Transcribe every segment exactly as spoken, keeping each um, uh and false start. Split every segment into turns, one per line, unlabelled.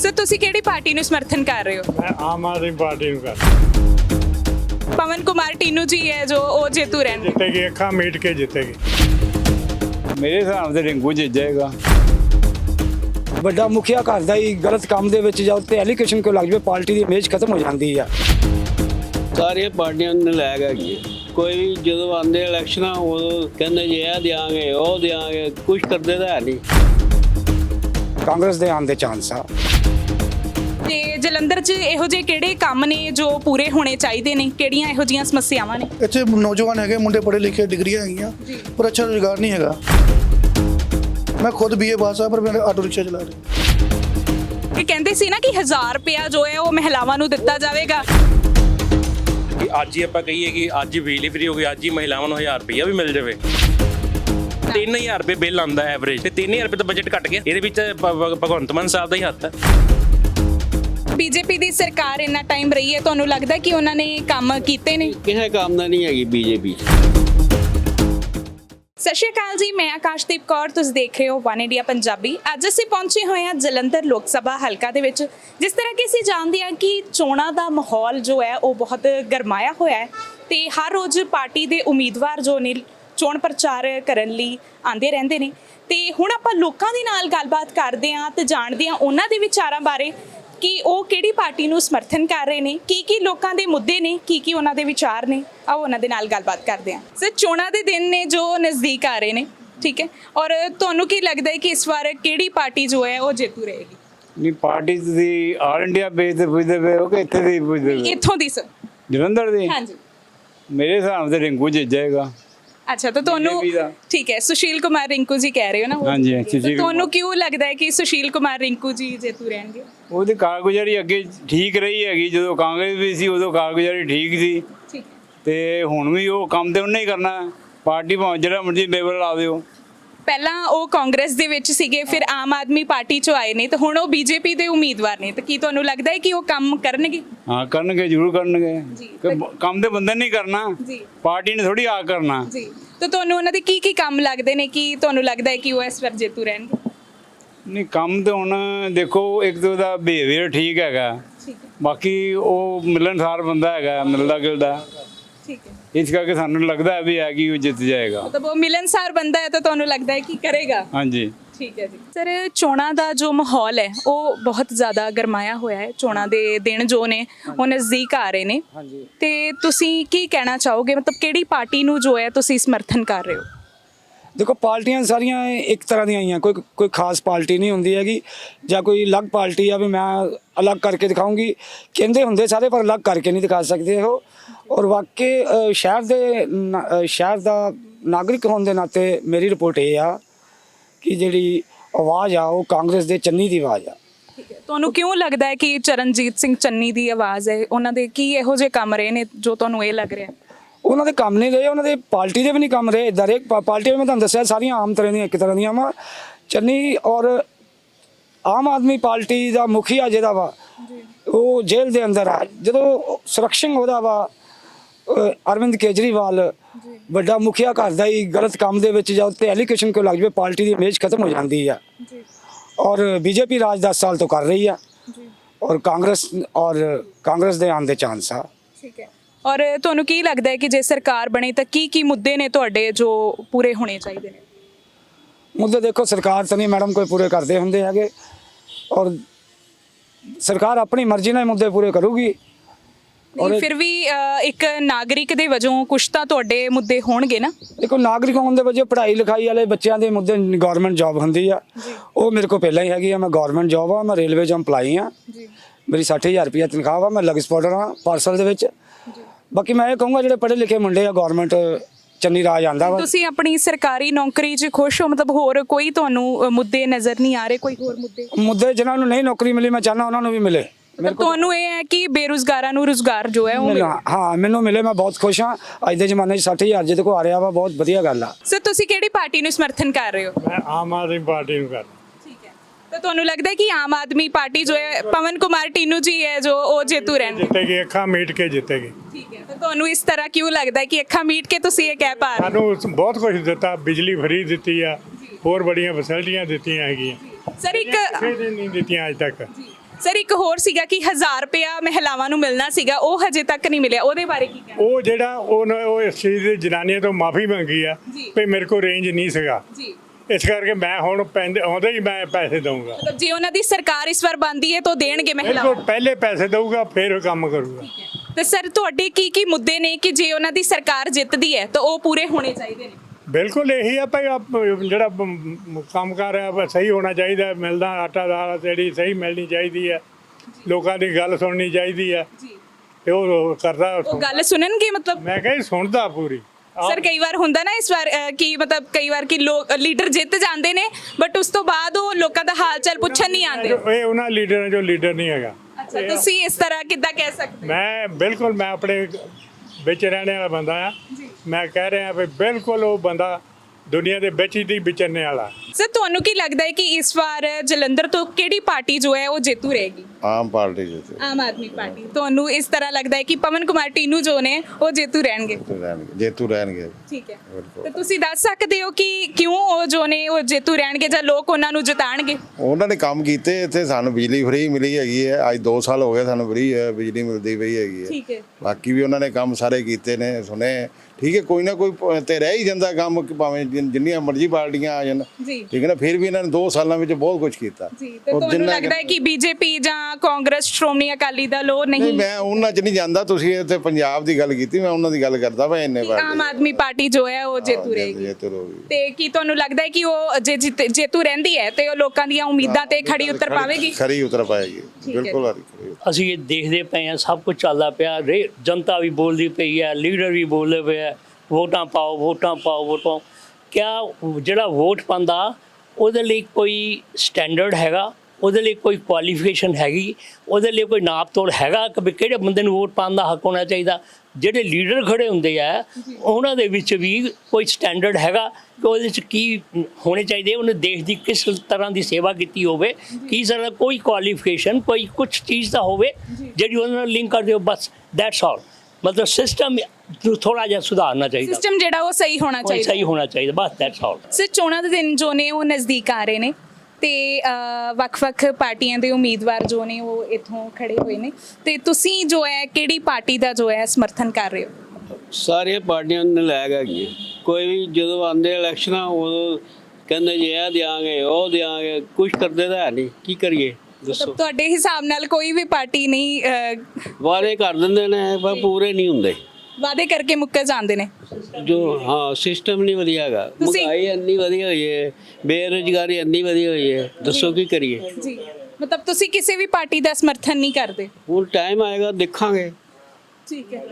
Sir ਤੁਸੀਂ ਕਿਹੜੀ party ਨੂੰ ਸਮਰਥਨ ਕਰ ਰਹੇ ਹੋ?
मैं आम आदमी पार्टी ਨੂੰ ਕਰ
पवन कुमार टीनू जी है जो वो जेतू रहने
ਜਿੱਤੇਗੀ ਅੱਖਾਂ ਮੀਟ ਕੇ ਜਿੱਤੇਗੀ।
ਮੇਰੇ ਹਿਸਾਬ ਦੇ ਰਿੰਕੂ ਜਿੱਤ ਜਾਏਗਾ।
ਵੱਡਾ ਮੁਖੀਆ ਘਰ ਦਾ ਹੀ ਗਲਤ ਕੰਮ ਦੇ ਵਿੱਚ ਜਾਂ ਉੱਤੇ ਐਲੀਗੇਸ਼ਨ ਕਿਉਂ ਲੱਗ ਜਾਵੇ ਪਾਰਟੀ ਦੀ ਇਮੇਜ ਖਤਮ ਹੋ ਜਾਂਦੀ ਆ।
ਸਾਰੀਆਂ ਪਾਰਟੀਆਂ ਨੇ ਲੈ ਗਈ ਕੋਈ ਵੀ ਜਦੋਂ ਆਉਂਦੇ ਇਲੈਕਸ਼ਨਾਂ ਉਦੋਂ ਕਹਿੰਦੇ ਜੇ ਇਹ ਦਿਆਂਗੇ ਉਹ ਦਿਆਂਗੇ ਕੁਝ ਕਰਦੇ ਤਾਂ ਹੈ ਨਹੀਂ।
ਕਾਂਗਰਸ ਦੇ ਆਉਣ ਦੇ ਚਾਂਸ ਆ।
ਤੇ ਜਲੰਧਰ 'ਚ ਇਹੋ ਜਿਹੇ ਕਿਹੜੇ ਕੰਮ ਨੇ ਜੋ ਪੂਰੇ ਹੋਣੇ ਚਾਹੀਦੇ ਨੇ? ਕਿਹੜੀਆਂ ਇਹੋ ਜਿਹੀਆਂ ਸਮੱਸਿਆਵਾਂ ਨੇ?
ਇੱਥੇ ਨੌਜਵਾਨ ਹੈਗੇ ਮੁੰਡੇ ਪੜ੍ਹੇ ਲਿਖੇ ਡਿਗਰੀਆਂ ਹੈਗੀਆਂ ਪਰ ਅੱਛਾ ਰੁਜ਼ਗਾਰ ਨਹੀਂ ਹੈਗਾ। ਮੈਂ ਖੁਦ ਬੀਏ ਪਾਸ ਆ ਪਰ ਮੈਂ ਆਟੋ ਰਿਕਸ਼ਾ ਚਲਾ ਰਿਹਾ।
ਇਹ ਕਹਿੰਦੇ ਸੀ ਨਾ ਕਿ ਹਜ਼ਾਰ ਰੁਪਇਆ ਜੋ ਹੈ ਉਹ ਮਹਿਲਾਵਾਂ ਨੂੰ ਦਿੱਤਾ ਜਾਵੇਗਾ।
ਕਿ ਅੱਜ ਹੀ ਆਪਾਂ ਕਹੀਏ ਕਿ ਅੱਜ ਹੀ ਬਿਜਲੀ ਫ੍ਰੀ ਹੋ ਗਈ, ਅੱਜ ਹੀ ਮਹਿਲਾਵਾਂ ਨੂੰ ਹਜ਼ਾਰ ਰੁਪਈਆ ਵੀ ਮਿਲ ਜਾਵੇ। ਤਿੰਨ ਹਜ਼ਾਰ ਰੁਪਏ ਬਿੱਲ ਆਉਂਦਾ ਐਵਰੇਜ ਤੇ ਤਿੰਨ ਹਜ਼ਾਰ ਰੁਪਏ ਦਾ ਬਜਟ ਘਟ ਗਿਆ। ਇਹਦੇ ਵਿੱਚ ਭ- ਭ- ਭਗਵੰਤ ਮਾਨ ਸਾਹਿਬ ਦਾ ਹੀ ਹੱਥ ਹੈ।
ਬੀਜੇਪੀ ਦੀ ਸਰਕਾਰ ਇੰਨਾ ਟਾਈਮ ਰਹੀ ਹੈ, ਤੁਹਾਨੂੰ ਲੱਗਦਾ ਕਿ ਉਹਨਾਂ ਨੇ ਕੰਮ ਕੀਤੇ ਨੇ?
ਕਿਸੇ ਕੰਮ ਦਾ ਨਹੀਂ ਹੈਗੀ ਬੀਜੇਪੀ।
ਸਤਿ ਸ਼੍ਰੀ ਅਕਾਲ ਜੀ, ਮੈਂ ਆਕਾਸ਼ਦੀਪ ਕੌਰ, ਤੁਸੀਂ ਦੇਖ ਰਹੇ ਹੋ ਵਨ ਇੰਡੀਆ ਪੰਜਾਬੀ। ਅੱਜ ਅਸੀਂ ਪਹੁੰਚੇ ਹੋਏ ਹਾਂ ਜਲੰਧਰ ਲੋਕ ਸਭਾ ਹਲਕਾ ਦੇ ਵਿੱਚ। ਜਿਸ ਤਰ੍ਹਾਂ ਕਿ ਅਸੀਂ ਜਾਣਦੇ ਹਾਂ ਕਿ ਚੋਣਾਂ ਦਾ ਮਾਹੌਲ ਜੋ ਹੈ ਉਹ ਬਹੁਤ ਗਰਮਾਇਆ ਹੋਇਆ ਹੈ ਤੇ ਹਰ ਰੋਜ਼ ਪਾਰਟੀ ਦੇ ਉਮੀਦਵਾਰ ਜੋ ਨੇ ਚੋਣ ਪ੍ਰਚਾਰ ਕਰਨ ਲਈ ਆਉਂਦੇ ਰਹਿੰਦੇ ਨੇ। ਤੇ ਹੁਣ ਆਪਾਂ ਲੋਕਾਂ ਦੇ ਨਾਲ ਗੱਲਬਾਤ ਕਰਦੇ ਹਾਂ ਤੇ ਜਾਣਦੇ ਹਾਂ ਉਹਨਾਂ ਦੇ ਵਿਚਾਰਾਂ ਬਾਰੇ ਕਿ ਉਹ ਕਿਹੜੀ ਪਾਰਟੀ ਨੂੰ ਸਮਰਥਨ ਕਰ ਰਹੇ ਨੇ, ਕੀ ਕੀ ਲੋਕਾਂ ਦੇ ਮੁੱਦੇ ਨੇ, ਕੀ ਕੀ ਉਹਨਾਂ ਦੇ ਵਿਚਾਰ ਨੇ। ਆਓ ਉਹਨਾਂ ਦੇ ਨਾਲ ਗੱਲਬਾਤ ਕਰਦੇ ਹਾਂ। ਸਰ, ਚੋਣਾਂ ਦੇ ਦਿਨ ਨੇ ਜੋ ਨਜ਼ਦੀਕ ਆ ਰਹੇ ਨੇ, ਠੀਕ ਹੈ, ਔਰ ਤੁਹਾਨੂੰ ਕੀ ਲੱਗਦਾ ਹੈ ਕਿ ਇਸ ਵਾਰ ਕਿਹੜੀ ਪਾਰਟੀ ਜੋ ਹੈ ਉਹ ਜੇਤੂ ਰਹੇਗੀ?
ਨਹੀਂ ਪਾਰਟੀ ਦੀ ਆਲ ਇੰਡੀਆ ਬੇਸ ਤੇ ਪੁੱਛਦੇ ਪਏ ਹੋ ਕਿ ਇੱਥੇ ਦੀ ਪੁੱਛਦੇ ਪਏ?
ਇੱਥੋਂ ਦੀ ਸਰ।
ਜਲੰਧਰ ਦੀ?
ਹਾਂਜੀ।
ਮੇਰੇ ਹਿਸਾਬ ਦੇ ਰਿੰਕੂ ਜਿੱਤ ਜਾਏਗਾ।
ਅੱਛਾ, ਤਾਂ ਤੁਹਾਨੂੰ
B J P ਦਾ।
ਠੀਕ ਹੈ, ਸੁਸ਼ੀਲ ਕੁਮਾਰ ਰਿੰਕੂ ਜੀ ਕਹਿ ਰਹੇ ਹੋ ਨਾ? ਉਹ
ਹਾਂਜੀ,
ਤਾਂ
ਸੁਸ਼ੀਲ
ਤੁਹਾਨੂੰ ਕਿਉਂ ਲੱਗਦਾ ਹੈ ਕਿ ਸੁਸ਼ੀਲ ਕੁਮਾਰ ਰਿੰਕੂ ਜੀ ਜੇਤੂ ਰਹਿਣਗੇ?
ਉਹਦੀ ਕਾਰਗੁਜ਼ਾਰੀ ਅੱਗੇ ਠੀਕ ਰਹੀ ਹੈਗੀ, ਜਦੋਂ ਕਾਂਗਰਸ ਵੀ ਸੀ ਉਦੋਂ ਕਾਰਗੁਜ਼ਾਰੀ ਠੀਕ ਸੀ
ਠੀਕ ਹੈ।
ਤੇ ਹੁਣ ਵੀ ਉਹ ਕੰਮ ਤੇ ਉਹਨੇ ਹੀ ਕਰਨਾ। ਪਾਰਟੀ ਭਾਵੇਂ ਜਿਹੜਾ ਮਰਜ਼ੀ ਲੇਬਲ ਲਾ ਦਿਓ।
ਪਹਿਲਾਂ ਉਹ ਕਾਂਗਰਸ ਦੇ ਵਿੱਚ ਸੀਗੇ, ਫਿਰ ਆਮ ਆਦਮੀ ਪਾਰਟੀ ਚੋਂ ਆਏ ਨੇ ਤੇ ਹੁਣ ਉਹ ਬੀਜੇਪੀ ਦੇ ਉਮੀਦਵਾਰ ਨੇ। ਤਾਂ ਕੀ ਤੁਹਾਨੂੰ ਲੱਗਦਾ ਹੈ ਕਿ ਉਹ ਕੰਮ ਕਰਨਗੇ?
ਹਾਂ ਕਰਨਗੇ, ਜ਼ਰੂਰ ਕਰਨਗੇ।
ਜੀ।
ਕਿ ਬ- ਕੰਮ ਤੇ ਬੰਦੇ ਨਹੀਂ ਕਰਨਾ,
ਜੀ।
ਪਾਰਟੀ ਨੇ ਥੋੜੀ ਆ ਕਰਨਾ।
ਜੀ, ਤਾਂ ਤੁਹਾਨੂੰ ਉਹਨਾਂ ਦੇ ਕੀ ਕੀ ਕੰਮ ਲੱਗਦੇ ਨੇ ਕਿ ਤੁਹਾਨੂੰ ਲੱਗਦਾ ਹੈ ਕਿ ਉਹ ਇਸ ਵਾਰ ਜੇਤੂ ਰਹਿਣਗੇ?
ਨਹੀਂ ਕੰਮ ਤੇ ਹੁਣ ਦੇਖੋ, ਇੱਕ ਦੋ ਦਾ ਬਿਹੇਵੀਅਰ ਠੀਕ ਹੈਗਾ,
ਠੀਕ ਹੈ।
ਬਾਕੀ ਉਹ ਮਿਲਣਸਾਰ ਬੰਦਾ ਹੈਗਾ, ਮਿਲਦਾ ਗਿਲਦਾ,
ਠੀਕ ਹੈ,
ਇਸ ਕਰਕੇ ਸਾਨੂੰ ਲੱਗਦਾ ਵੀ ਹੈ ਕਿ ਉਹ ਜਿੱਤ ਜਾਏਗਾ।
ਮਤਲਬ ਉਹ ਮਿਲਨਸਾਰ ਬੰਦਾ ਹੈ ਤਾਂ ਤੁਹਾਨੂੰ ਲੱਗਦਾ ਹੈ ਕਿ ਕਰੇਗਾ?
ਹਾਂਜੀ।
ਠੀਕ ਹੈ ਜੀ। ਸਰ, ਚੋਣਾਂ ਦਾ ਜੋ ਮਾਹੌਲ ਹੈ ਉਹ ਬਹੁਤ ਜ਼ਿਆਦਾ ਗਰਮਾਇਆ ਹੋਇਆ ਹੈ। ਚੋਣਾਂ ਦੇ ਦਿਨ ਜੋ ਨੇ ਉਹ ਨਜ਼ਦੀਕ ਆ ਰਹੇ ਨੇ ਤੇ ਤੁਸੀਂ ਕੀ ਕਹਿਣਾ ਚਾਹੋਗੇ? ਮਤਲਬ ਕਿਹੜੀ ਪਾਰਟੀ ਨੂੰ ਜੋ ਹੈ ਤੁਸੀਂ ਸਮਰਥਨ ਕਰ ਰਹੇ ਹੋ?
ਦੇਖੋ ਪਾਰਟੀਆਂ ਸਾਰੀਆਂ ਇੱਕ ਤਰ੍ਹਾਂ ਦੀਆਂ ਆਈਆਂ, ਕੋਈ ਕੋਈ ਖਾਸ ਪਾਰਟੀ ਨਹੀਂ ਹੁੰਦੀ ਹੈਗੀ ਜਾਂ ਕੋਈ ਅਲੱਗ ਪਾਰਟੀ ਆ ਵੀ ਮੈਂ ਅਲੱਗ ਕਰਕੇ ਦਿਖਾਉਂਗੀ। ਕਹਿੰਦੇ ਹੁੰਦੇ ਸਾਰੇ ਪਰ ਅਲੱਗ ਕਰਕੇ ਨਹੀਂ ਦਿਖਾ ਸਕਦੇ ਉਹ। ਔਰ ਵਾਕਈ ਅ, ਸ਼ਹਿਰ ਦੇ ਨਾ- ਅ, ਸ਼ਹਿਰ ਦਾ ਨਾਗਰਿਕ ਹੋਣ ਦੇ ਨਾਤੇ ਮੇਰੀ ਰਿਪੋਰਟ ਇਹ ਆ ਕਿ ਜਿਹੜੀ ਆਵਾਜ਼ ਆ ਉਹ ਕਾਂਗਰਸ ਦੇ ਚੰਨੀ ਦੀ ਆਵਾਜ਼ ਆ।
ਠੀਕ ਹੈ, ਤੁਹਾਨੂੰ ਕਿਉਂ ਲੱਗਦਾ ਹੈ ਕਿ ਚਰਨਜੀਤ ਸਿੰਘ ਚੰਨੀ ਦੀ ਆਵਾਜ਼ ਹੈ? ਉਹਨਾਂ ਦੇ ਕੀ ਇਹੋ ਜਿਹੇ ਕੰਮ ਰਹੇ ਨੇ ਜੋ ਤੁਹਾਨੂੰ ਇਹ ਲੱਗ ਰਿਹਾ?
ਉਹਨਾਂ ਦੇ ਕੰਮ ਨਹੀਂ ਰਹੇ, ਉਹਨਾਂ ਦੇ ਪਾਰਟੀ ਦੇ ਵੀ ਨਹੀਂ ਕੰਮ ਰਹੇ। ਦਰੇਕ ਪਾਰਟੀ ਮੈਂ ਤੁਹਾਨੂੰ ਦੱਸਿਆ ਸਾਰੀਆਂ ਆਮ ਤਰ੍ਹਾਂ ਦੀਆਂ ਇੱਕ ਤਰ੍ਹਾਂ ਦੀਆਂ ਵਾ। ਚੰਨੀ ਔਰ ਆਮ ਆਦਮੀ ਪਾਰਟੀ ਦਾ ਮੁਖੀਆ ਜਿਹੜਾ ਵਾ ਉਹ ਜੇਲ੍ਹ ਦੇ ਅੰਦਰ ਆ। ਜਦੋਂ ਸੁਰੱਖਿਅਤ ਉਹਦਾ ਵਾ ਅ, ਅਰਵਿੰਦ ਕੇਜਰੀਵਾਲ ਵੱਡਾ ਮੁਖੀਆ ਘਰ ਦਾ ਹੀ ਗਲਤ ਕੰਮ ਦੇ ਵਿੱਚ ਜਾਂ ਉੱਤੇ ਐਲੀਗੇਸ਼ਨ ਕਿਉਂ ਲੱਗ ਜਾਵੇ ਪਾਰਟੀ ਦੀ ਇਮੇਜ ਖਤਮ ਹੋ ਜਾਂਦੀ ਆ। ਔਰ ਬੀਜੇਪੀ ਰਾਜ ਦਸ ਸਾਲ ਤੋਂ ਕਰ ਰਹੀ ਆ ਔਰ ਕਾਂਗਰਸ ਔਰ ਕਾਂਗਰਸ ਦੇ ਆਉਣ ਦੇ ਚਾਂਸ ਆ।
ਠੀਕ ਹੈ, ਔਰ ਤੁਹਾਨੂੰ ਕੀ ਲੱਗਦਾ ਹੈ ਕਿ ਜੇ ਸਰਕਾਰ ਬਣੇ ਤਾਂ ਕੀ ਕੀ ਮੁੱਦੇ ਨੇ ਤੁਹਾਡੇ ਜੋ ਪੂਰੇ ਹੋਣੇ ਚਾਹੀਦੇ ਨੇ?
ਮੁੱਦੇ ਦੇਖੋ ਸਰਕਾਰ ਤਾਂ ਨਹੀਂ ਮੈਡਮ ਕੋਈ ਪੂਰੇ ਕਰਦੇ ਹੁੰਦੇ ਹੈਗੇ ਔਰ ਸਰਕਾਰ ਆਪਣੀ ਮਰਜ਼ੀ ਨਾਲ ਮੁੱਦੇ ਪੂਰੇ ਕਰੂਗੀ।
ਨਹੀਂ, ਫਿਰ ਵੀ ਅ, ਇੱਕ ਨਾਗਰਿਕ ਦੇ ਵਜੋਂ ਕੁਛ ਤਾਂ ਤੁਹਾਡੇ ਮੁੱਦੇ ਹੋਣਗੇ ਨਾ?
ਦੇਖੋ ਨਾਗਰਿਕ ਹੋਣ ਦੇ ਵਜੋਂ ਪੜ੍ਹਾਈ ਲਿਖਾਈ ਵਾਲੇ ਬੱਚਿਆਂ ਦੇ ਮੁੱਦੇ, ਗਵਰਨਮੈਂਟ ਜੌਬ ਹੁੰਦੀ ਆ ਉਹ ਮੇਰੇ ਕੋਲ ਪਹਿਲਾਂ ਹੀ ਹੈਗੀ ਆ। ਮੈਂ ਗਵਰਨਮੈਂਟ ਜੌਬ ਆ, ਮੈਂ ਰੇਲਵੇ 'ਚ ਇੰਪਲਾਈ ਆ, ਮੇਰੀ ਸੱਠ ਹਜ਼ਾਰ ਰੁਪਈਆ ਤਨਖਾਹ ਵਾ, ਮੈਂ ਲਗ ਸਪੋਰਟਰ ਆ ਪਾਰਸਲ ਦੇ ਵਿੱਚ। ਬਾਕੀ ਮੈਂ ਇਹ ਕਹੂੰਗਾ ਜਿਹੜੇ ਪੜ੍ਹੇ ਲਿਖੇ ਮੁੰਡੇ ਆ ਗਵਰਨਮੈਂਟ ਚੰਨੀ ਰਾਜ ਆਂਦਾ ਵਾ।
ਤੁਸੀਂ ਆਪਣੀ ਸਰਕਾਰੀ ਨੌਕਰੀ 'ਚ ਖੁਸ਼ ਹੋ? ਮਤਲਬ ਹੋਰ ਕੋਈ ਤੁਹਾਨੂੰ ਅ, ਮੁੱਦੇ ਨਜ਼ਰ ਨਹੀਂ ਆ ਰਹੇ? ਕੋਈ ਹੋਰ ਮੁੱਦੇ
ਮੁੱਦੇ ਜਿਨ੍ਹਾਂ ਨੂੰ ਨਹੀਂ ਨੌਕਰੀ ਮਿਲੀ ਮੈਂ ਚਾਹੁੰਦਾ ਉਹਨਾਂ ਨੂੰ ਵੀ ਮਿਲੇ।
ਮਤਲਬ ਤੁਹਾਨੂੰ ਇਹ ਹੈ ਕਿ ਬੇਰੁਜ਼ਗਾਰਾਂ ਨੂੰ ਰੁਜ਼ਗਾਰ ਜੋ ਹੈ ਉਹ ਮਿਲੇ?
ਮੈਨੂੰ- ਹਾਂ ਮੈਨੂੰ ਮਿਲੇ, ਮੈਂ ਬਹੁਤ ਖੁਸ਼ ਹਾਂ। ਅੱਜ ਦੇ ਜ਼ਮਾਨੇ 'ਚ ਸੱਠ ਹਜ਼ਾਰ ਜਿਹਦੇ ਕੋਲ ਆ ਰਿਹਾ ਵਾ ਬਹੁਤ ਵਧੀਆ ਗੱਲ ਆ।
ਸਰ, ਤੁਸੀਂ ਕਿਹੜੀ ਪਾਰਟੀ ਨੂੰ ਸਮਰਥਨ ਕਰ ਰਹੇ ਹੋ?
ਮੈਂ ਆਮ ਆਦਮੀ ਪਾਰਟੀ ਨੂੰ ਕਰ
ਠੀਕ ਹੈ, ਤਾਂ ਤੁਹਾਨੂੰ ਲੱਗਦਾ ਹੈ ਕਿ ਆਮ ਆਦਮੀ ਪਾਰਟੀ ਜੋ ਹੈ ਪਵਨ ਕੁਮਾਰ ਟੀਨੂ ਜੀ ਹੈ ਜੋ ਉਹ ਜੇਤੂ ਰਹਿਣਗੇ?
ਜਿੱਤੇਗੀ ਅੱਖਾਂ ਮੀਟ ਕੇ ਜਿੱਤੇਗੀ।
ਠੀਕ ਹੈ, ਤਾਂ ਤੁਹਾਨੂੰ ਇਸ ਤਰ੍ਹਾਂ ਕਿਉਂ ਲੱਗਦਾ ਹੈ ਕਿ ਅੱਖਾਂ ਮੀਟ ਕੇ ਤੁਸੀਂ ਇਹ ਕਹਿ ਪਾ ਰਹੇ ਹੋ?
ਸਾਨੂੰ ਬਹੁਤ ਕੁਝ ਦਿੱਤਾ, ਬਿਜਲੀ ਫਰੀ ਦਿੱਤੀ ਆ, ਹੋਰ ਬੜੀਆਂ ਫੈਸਿਲਿਟੀਆਂ ਦਿੱਤੀਆਂ ਹੈਗੀਆਂ।
ਸਰ, ਇੱਕ
ਕਿਸੇ ਨੇ ਨਹੀਂ ਦਿੱਤੀਆਂ ਅੱਜ ਤੱਕ।
ਸਰ ਇੱਕ ਹੋਰ ਸੀਗਾ ਕਿ ਹਜ਼ਾਰ ਰੁਪਇਆ ਮਹਿਲਾਵਾਂ ਨੂੰ ਮਿਲਣਾ ਸੀਗਾ, ਉਹ ਹਜੇ ਤੱਕ ਨਹੀਂ ਮਿਲਿਆ, ਉਹਦੇ ਬਾਰੇ ਕੀ ਕਹਿਣਾ?
ਉਹ ਜਿਹੜਾ ਉਹਨ- ਉਹ ਇਸ ਚੀਜ਼ ਦੀ ਜਨਾਨੀਆਂ ਤੋਂ ਮਾਫੀ ਮੰਗੀ ਆ
ਜੀ।
ਵੀ ਮੇਰੇ ਕੋਲ ਰੇਂਜ ਨਹੀਂ ਸੀਗਾ,
ਜੀ,
ਇਸ ਕਰਕੇ ਮੈਂ ਹੁਣ ਪੈਂਦੇ ਆਉਂਦੇ ਹੀ ਮੈਂ ਪੈਸੇ ਦਊਂਗਾ।
ਮਤਲਬ ਜੇ ਉਹਨਾਂ ਦੀ ਸਰਕਾਰ ਇਸ ਵਾਰ ਬਣਦੀ ਹੈ ਤਾਂ ਉਹ ਦੇਣਗੇ ਮਹਿਲਾਵਾਂ
ਬਿਲਕੁਲ ਪਹਿਲੇ ਪੈਸੇ ਦਊਗਾ ਫਿਰ ਕੰਮ ਕਰੂਗਾ।
ਤੇ ਸਰ ਤੁਹਾਡੇ ਕੀ ਕੀ ਮੁੱਦੇ ਨੇ ਕਿ ਜੇ ਉਹਨਾਂ ਦੀ ਸਰਕਾਰ ਜਿੱਤਦੀ ਹੈ ਤਾਂ ਉਹ ਪੂਰੇ ਹੋਣੇ ਚਾਹੀਦੇ ਨੇ?
ਬਿਲਕੁਲ ਇਹੀ ਆ ਭਾਈ ਆਪ ਜਿਹੜਾ ਕੰਮ ਕਰ ਰਿਹਾ ਸਹੀ ਹੋਣਾ ਚਾਹੀਦਾ, ਮਿਲਦਾ ਆਟਾ ਦਾਲ ਜਿਹੜੀ ਸਹੀ ਮਿਲਣੀ ਚਾਹੀਦੀ ਹੈ, ਲੋਕਾਂ ਦੀ ਗੱਲ ਸੁਣਨੀ ਚਾਹੀਦੀ ਹੈ
ਜੀ,
ਤੇ ਉਹ ਕਰਦਾ।
ਉਹ ਗੱਲ ਸੁਣਨਗੇ ਮਤਲਬ?
ਮੈਂ ਕਹੀ ਸੁਣਦਾ ਪੂਰੀ।
ਸਰ ਕਈ ਵਾਰ ਹੁੰਦਾ ਨਾ ਇਸ ਵਾਰ ਅਹ, ਕਿ ਮਤਲਬ ਕਈ ਵਾਰ ਕਿ ਲੋਕ ਲੀਡਰ ਜਿੱਤ ਜਾਂਦੇ ਨੇ ਬਟ ਉਸ ਤੋਂ ਬਾਅਦ ਉਹ ਲੋਕਾਂ ਦਾ ਹਾਲ ਚਾਲ ਪੁੱਛਣ ਨਹੀਂ ਆਉਂਦੇ।
ਇਹ ਉਹਨਾਂ ਲੀਡਰਾਂ ਜੋ ਲੀਡਰ ਨਹੀਂ ਹੈਗਾ।
ਅੱਛਾ, ਤੁਸੀਂ ਇਸ ਤਰ੍ਹਾਂ ਕਿੱਦਾਂ ਕਹਿ ਸਕਦੇ?
ਮੈਂ ਬਿਲਕੁਲ ਮੈਂ ਆਪਣੇ ਵਿੱਚ ਰਹਿਣ ਵਾਲਾ ਬੰਦਾ ਆ, ਮੈਂ ਕਹਿ ਰਿਹਾ ਵੀ ਬਿਲਕੁਲ ਉਹ ਬੰਦਾ ਦੁਨੀਆ ਦੇ ਵਿੱਚ ਹੀ ਵਿਚਰਨੇ ਵਾਲਾ।
ਸਰ ਤੁਹਾਨੂੰ ਕੀ ਲੱਗਦਾ ਹੈ ਕਿ ਇਸ ਵਾਰ ਜਲੰਧਰ ਤੋਂ ਕਿਹੜੀ ਪਾਰਟੀ ਜੋ ਹੈ ਉਹ ਜੇਤੂ ਰਹੇਗੀ?
ਆਮ ਪਾਰਟੀ ਜਿੱਤੇ
ਆਮ ਆਦਮੀ ਪਾਰਟੀ। ਤੁਹਾਨੂੰ ਇਸ ਤਰ੍ਹਾਂ ਲੱਗਦਾ ਹੈ ਕਿ ਪਵਨ ਕੁਮਾਰ ਟੀਨੂ ਜੋ ਨੇ ਉਹ ਜੇਤੂ ਰਹਿਣਗੇ?
ਰਹਿਣਗੇ, ਜੇਤੂ ਰਹਿਣਗੇ।
ਠੀਕ ਹੈ, ਤੇ ਤੁਸੀਂ ਦੱਸ ਸਕਦੇ ਹੋ ਕਿ ਕਿਉਂ ਉਹ ਜੋ ਨੇ ਉਹ ਜੇਤੂ ਰਹਿਣਗੇ ਜਾਂ ਲੋਕ ਉਹਨਾਂ ਨੂੰ ਜਿਤਾਣਗੇ?
ਉਹਨਾਂ ਨੇ ਕੰਮ ਕੀਤੇ, ਇੱਥੇ ਸਾਨੂੰ ਬਿਜਲੀ ਫ੍ਰੀ ਮਿਲੀ ਹੈਗੀ ਹੈ, ਅੱਜ ਦੋ ਸਾਲ ਹੋ ਗਏ ਸਾਨੂੰ ਫ੍ਰੀ ਬਿਜਲੀ ਮਿਲਦੀ ਪਈ ਹੈਗੀ
ਠੀਕ
ਹੈ।
ਹੈ,
ਬਾਕੀ ਵੀ ਉਹਨਾਂ ਨੇ ਕੰਮ ਸਾਰੇ ਕੀਤੇ ਨੇ, ਸੁਣੇ। ਠੀਕ ਹੈ, ਕੋਈ ਨਾ ਕੋਈ ਪ- ਤੇ ਰਹਿ ਹੀ ਜਾਂਦਾ ਕੰਮ, ਕਿ ਭਾਵੇਂ ਜਿੰਨ- ਜਿੰਨੀਆਂ ਮਰਜ਼ੀ ਪਾਰਟੀਆਂ ਆ ਜਾਣ,
ਜੀ
ਠੀਕ ਹੈ ਨਾ, ਫਿਰ ਵੀ ਇਹਨਾਂ ਨੇ ਦੋ ਸਾਲਾਂ ਵਿੱਚ ਬਹੁਤ ਕੁਝ ਕੀਤਾ।
ਜੀ। ਤੇ
ਔਰ
ਤੁਹਾਨੂੰ
ਜਿੰਨਾ
ਲੱਗਦਾ ਹੈ ਕਿ ਬੀਜੇਪੀ ਜਾਂ ਕਾਂਗਰਸ ਸ਼੍ਰੋਮਣੀ ਅਕਾਲੀ ਦਲ ਉਹ
ਨਹੀਂ,
ਨਹੀਂ?
ਮੈਂ ਉਹਨਾਂ 'ਚ ਨਹੀਂ ਜਾਂਦਾ। ਤੁਸੀਂ ਇੱਥੇ ਪੰਜਾਬ ਦੀ ਗੱਲ ਕੀਤੀ, ਮੈਂ ਉਹਨਾਂ ਦੀ ਗੱਲ ਕਰਦਾ ਵਾ। ਇੰਨੇ
ਆਮ ਆਦਮੀ ਪਾਰਟੀ ਜੋ ਹੈ ਉਹ ਜੇਤੂ ਰਹੇਗੀ?
ਜੇਤੂ ਰਹੇਗੀ।
ਤੇ ਕੀ ਤੁਹਾਨੂੰ ਲੱਗਦਾ ਹੈ ਕਿ ਉਹ ਜੇ ਜਿੱਤ- ਜੇਤੂ ਰਹਿੰਦੀ ਹੈ ਤੇ ਉਹ ਲੋਕਾਂ ਦੀਆਂ ਉਮੀਦਾਂ ਤੇ ਖੜੀ ਉਤਰ ਪਾਵੇਗੀ?
ਖਰੀ ਉਤਰ ਪਾਏਗੀ,
ਹੈ।
ਬਿਲਕੁਲ ਖਰੀ ਉਤਰ।
ਅਸੀਂ ਇਹ ਦੇਖਦੇ ਪਏ ਹਾਂ, ਸਭ ਕੁਝ ਚੱਲਦਾ ਪਿਆ, ਰੇ ਜਨਤਾ ਵੀ ਬੋਲਦੀ ਪਈ ਹੈ, ਲੀਡਰ ਵੀ ਬੋਲਦੇ ਪਏ ਹੈ, ਵੋਟਾਂ ਪਾਓ ਵੋਟਾਂ ਪਾਓ ਵੋਟ ਪਾਓ। ਕਿਆ ਜਿਹੜਾ ਵੋਟ ਪਾਉਂਦਾ ਉਹਦੇ ਲਈ ਕੋਈ ਸਟੈਂਡਰਡ ਹੈਗਾ? ਉਹਦੇ ਲਈ ਕੋਈ ਕੁਆਲੀਫਿਕੇਸ਼ਨ ਹੈਗੀ? ਉਹਦੇ ਲਈ ਕੋਈ ਨਾਪ ਤੋਲ ਹੈਗਾ ਕਿ ਵੀ ਕਿਹੜੇ ਬੰਦੇ ਨੂੰ ਵੋਟ ਪਾਉਣ ਦਾ ਹੱਕ ਹੋਣਾ ਚਾਹੀਦਾ? ਜਿਹੜੇ ਲੀਡਰ ਖੜੇ ਹੁੰਦੇ ਆ ਉਹਨਾਂ ਦੇ ਵਿੱਚ ਵੀ ਕੋਈ ਸਟੈਂਡਰਡ ਹੈਗਾ ਕਿ ਉਹਦੇ ਵਿੱਚ ਕੀ ਹੋਣੇ ਚਾਹੀਦੇ? ਉਹਨੇ ਦੇਸ਼ ਦੀ ਕਿਸ ਤਰ੍ਹਾਂ ਦੀ ਸੇਵਾ ਕੀਤੀ ਹੋਵੇ, ਕੀ ਤਰ੍ਹਾਂ ਕੋਈ ਕੁਆਲੀਫਿਕੇਸ਼ਨ, ਕੋਈ ਕੁਝ ਚੀਜ਼ ਤਾਂ ਹੋਵੇ ਜਿਹੜੀ ਉਹਨਾਂ ਨਾਲ ਲਿੰਕ ਕਰ ਦਿਓ, ਬਸ ਦੈਟਸ ਆਲ। ਮਤਲਬ ਸਿਸਟਮ ਥੋੜਾ ਜਿਹਾ ਸੁਧਾਰਨਾ ਚਾਹੀਦਾ,
ਸਿਸਟਮ ਜਿਹੜਾ ਉਹ ਸਹੀ ਹੋਣਾ
ਉਹ
ਚਾਹੀਦਾ।
ਸਹੀ ਹੋਣਾ ਚਾਹੀਦਾ, ਬਸ ਦੈਟਸ ਆਲ।
ਸਰ ਚੋਣਾਂ ਦੇ ਦਿਨ ਜੋ ਨੇ ਉਹ ਨਜ਼ਦੀਕ ਆ ਰਹੇ ਨੇ ਤੇ ਅਹ, ਵੱਖ-ਵੱਖ ਪਾਰਟੀਆਂ ਦੇ ਉਮੀਦਵਾਰ ਜੋ ਨੇ ਉਹ ਇੱਥੋਂ ਖੜੇ ਹੋਏ ਨੇ ਤੇ ਤੁਸੀਂ ਜੋ ਹੈ ਕਿਹੜੀ ਪਾਰਟੀ ਦਾ ਜੋ ਹੈ ਸਮਰਥਨ ਕਰ ਰਹੇ ਹੋ?
ਸਾਰੀਆਂ ਪਾਰਟੀਆਂ ਨੇ ਲੈ ਗਈਆਂ। ਕੋਈ ਵੀ ਜਦੋਂ ਆਉਂਦੇ ਇਲੈਕਸ਼ਨਾਂ ਉਦੋਂ ਕਹਿੰਦੇ ਜੇ ਇਹ ਦਿਆਂਗੇ ਉਹ ਦਿਆਂਗੇ, ਕੁਝ ਕਰਦੇ ਤਾਂ ਹੈ ਨਹੀਂ। ਕੀ ਕਰੀਏ ਦੱਸੋ?
ਮਤਲਬ ਤੁਹਾਡੇ ਹਿਸਾਬ ਨਾਲ ਕੋਈ ਵੀ ਪਾਰਟੀ ਨਹੀਂ ਅਹ,
ਵਾਅਦੇ ਕਰ ਦਿੰਦੇ ਨੇ ਪਰ ਪੂਰੇ ਨਹੀਂ ਹੁੰਦੇ,
ਵਾਅਦੇ ਕਰਕੇ ਮੁੱਕਰ ਜਾਂਦੇ ਨੇ?
ਜੋ ਹਾਂ ਸਿਸਟਮ ਨਹੀਂ ਵਧੀਆ ਹੈਗਾ।
ਤੁਸੀਂ-
ਮਹਿੰਗਾਈ ਇੰਨੀ ਵਧੀਆ ਹੋਈ ਹੈ, ਬੇਰੁਜ਼ਗਾਰੀ ਇੰਨੀ ਵਧੀਆ ਹੋਈ ਹੈ, ਦੱਸੋ ਕੀ ਕਰੀਏ?
ਜੀ, ਮਤਲਬ ਤੁਸੀਂ ਕਿਸੇ ਵੀ ਪਾਰਟੀ ਦਾ ਸਮਰਥਨ ਨਹੀਂ ਕਰਦੇ?
ਹੁਣ ਟਾਈਮ ਆਏਗਾ ਦੇਖਾਂਗੇ।
ਠੀਕ ਹੈ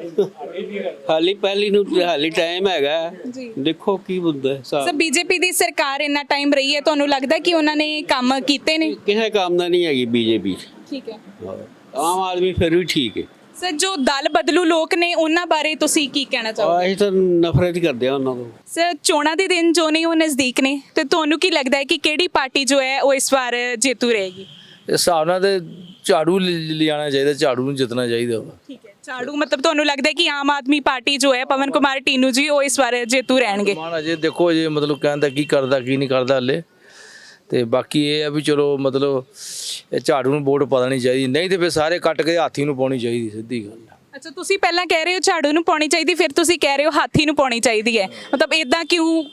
ਹਾਲੀ ਪਹਿਲੀ ਨੂੰ ਹਾਲੀ ਟਾਈਮ ਹੈਗਾ,
ਜੀ।
ਦੇਖੋ ਕੀ ਹੁੰਦਾ
ਸਰ
ਹਿਸਾਬ।
ਬੀਜੇਪੀ ਦੀ ਸਰਕਾਰ ਇੰਨਾ ਟਾਈਮ ਰਹੀ ਹੈ, ਤੁਹਾਨੂੰ ਲੱਗਦਾ ਕਿ ਉਹਨਾਂ ਨੇ ਕੰਮ ਕੀਤੇ ਨੇ?
ਕਿਸੇ ਕੰਮ ਦਾ ਨਹੀਂ ਹੈਗੀ ਬੀਜੇਪੀ।
ਠੀਕ ਹੈ
ਆਮ ਆਦਮੀ ਫਿਰ ਵੀ ਠੀਕ ਹੈ।
ਸਰ ਜੋ ਦਲ ਬਦਲੂ ਲੋਕ ਨੇ ਉਹਨਾਂ ਬਾਰੇ ਤੁਸੀਂ ਕੀ ਕਹਿਣਾ ਚਾਹੋਗੇ?
ਅਸੀਂ ਤਾਂ ਨਫ਼ਰਤ ਕਰਦੇ ਆ ਉਹਨਾਂ ਤੋਂ।
ਸਰ ਚੋਣਾਂ ਦੇ ਦਿਨ ਜੋ ਨੇ ਉਹ ਨਜ਼ਦੀਕ ਨੇ ਤੇ ਤੁਹਾਨੂੰ ਕੀ ਲੱਗਦਾ ਹੈ ਕਿ ਕਿਹੜੀ ਪਾਰਟੀ ਜੋ ਹੈ ਉਹ ਇਸ ਵਾਰ ਜੇਤੂ ਰਹੇਗੀ?
ਇਸ ਹਿਸਾਬ ਨਾਲ ਤੇ ਝਾੜੂ ਲਿ- ਲਿਆਉਣਾ ਚਾਹੀਦਾ, ਝਾੜੂ ਨੂੰ ਜਿੱਤਣਾ ਚਾਹੀਦਾ ਵਾ।
ਠੀਕ ਹੈ, ਝਾੜੂ ਮਤਲਬ ਤੁਹਾਨੂੰ ਲੱਗਦਾ ਹੈ ਕਿ ਆਮ ਆਦਮੀ ਪਾਰਟੀ ਜੋ ਹੈ ਪਵਨ ਕੁਮਾਰ ਟੀਨੂ ਜੀ ਉਹ ਇਸ ਵਾਰ ਜੇਤੂ ਰਹਿਣਗੇ?
ਮਾਨ ਅਜੇ ਦੇਖੋ ਜੇ ਮਤਲਬ ਕਹਿੰਦਾ ਕੀ ਕਰਦਾ ਕੀ ਨਹੀਂ ਕਰਦਾ ਹਲੇ, ਤੇ ਬਾਕੀ ਇਹ ਆ ਵੀ ਚਲੋ ਮਤਲਬ ਇਹ ਝਾੜੂ ਨੂੰ ਵੋਟ ਪਤਾ ਨਹੀਂ ਚਾਹੀਦੀ, ਨਹੀਂ ਤੇ ਫਿਰ ਸਾਰੇ ਕੱਟ ਕੇ ਹਾਥੀ ਨੂੰ ਪਾਉਣੀ ਚਾਹੀਦੀ, ਸਿੱਧੀ ਗੱਲ ਆ।
ਅੱਛਾ, ਤੁਸੀਂ ਪਹਿਲਾਂ ਕਹਿ ਰਹੇ ਹੋ ਝਾੜੂ ਨੂੰ ਪਾਉਣੀ ਚਾਹੀਦੀ, ਫਿਰ ਤੁਸੀਂ ਕਹਿ ਰਹੇ ਹੋ ਹਾਥੀ ਨੂੰ ਪਾਉਣੀ ਚਾਹੀਦੀ ਹੈ, ਮਤਲਬ ਇਦਾਂ ਕਿਉਂ?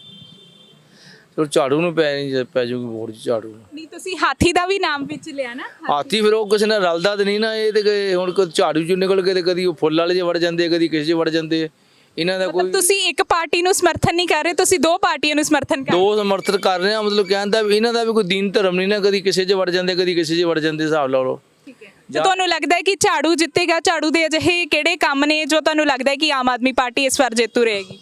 ਚਲੋ ਝਾੜੂ ਨੂੰ ਪੈ ਨਹੀਂ ਪੈ ਜਾਊਗੀ ਵੋਟ ਝਾੜੂ ਨੂੰ।
ਨਹੀਂ ਤੁਸੀਂ ਹਾਥੀ ਦਾ ਵੀ ਨਾਮ ਵਿੱਚ ਲਿਆ ਨਾ।
ਹਾਥੀ ਫਿਰ ਉਹ ਕਿਸੇ ਨਾਲ ਰਲਦਾ ਤੇ ਨਹੀਂ ਨਾ, ਇਹ ਤੇ ਕਿ ਹੁਣ ਕੋਈ ਝਾੜੂ ਚੋਂ ਨਿਕਲ ਕੇ ਤੇ ਕਦੀ ਉਹ ਫੁੱਲ ਵਾਲੇ 'ਚ ਵੜ ਜਾਂਦੇ, ਕਦੀ ਕਿਸੇ 'ਚ ਵੜ ਜਾਂਦੇ, ਇਹਨਾਂ ਦਾ ਕੋਈ
ਮਤਲਬ ਤੁਸੀਂ ਇੱਕ ਪਾਰਟੀ ਨੂੰ ਸਮਰਥਨ ਨਹੀਂ ਕਰ ਰਹੇ, ਤੁਸੀਂ ਦੋ ਪਾਰਟੀਆਂ ਨੂੰ ਸਮਰਥਨ ਕਰ ਰਹੇ ਹੋ।
ਦੋ ਸਮਰਥਨ ਕਰ ਰਹੇ ਆ, ਮਤਲਬ ਕਹਿੰਦਾ ਵੀ ਇਹਨਾਂ ਦਾ ਵੀ ਕੋਈ ਦੀਨ ਧਰਮ ਨਹੀਂ ਨਾ, ਕਦੀ ਕਿਸੇ 'ਚ ਵੜ ਜਾਂਦੇ ਕਦੀ ਕਿਸੇ 'ਚ ਵੜ ਜਾਂਦੇ, ਹਿਸਾਬ ਲਾ ਲਓ।
ਠੀਕ ਹੈ, ਤੇ ਤੁਹਾਨੂੰ ਲੱਗਦਾ ਹੈ ਕਿ ਝਾੜੂ ਜਿੱਤੇਗਾ? ਝਾੜੂ ਦੇ ਅਜਿਹੇ ਕਿਹੜੇ ਕੰਮ ਨੇ ਜੋ ਤੁਹਾਨੂੰ ਲੱਗਦਾ ਹੈ ਕਿ ਆਮ ਆਦਮੀ ਪਾਰਟੀ ਇਸ ਵਾਰ ਜੇਤੂ ਰਹੇਗੀ?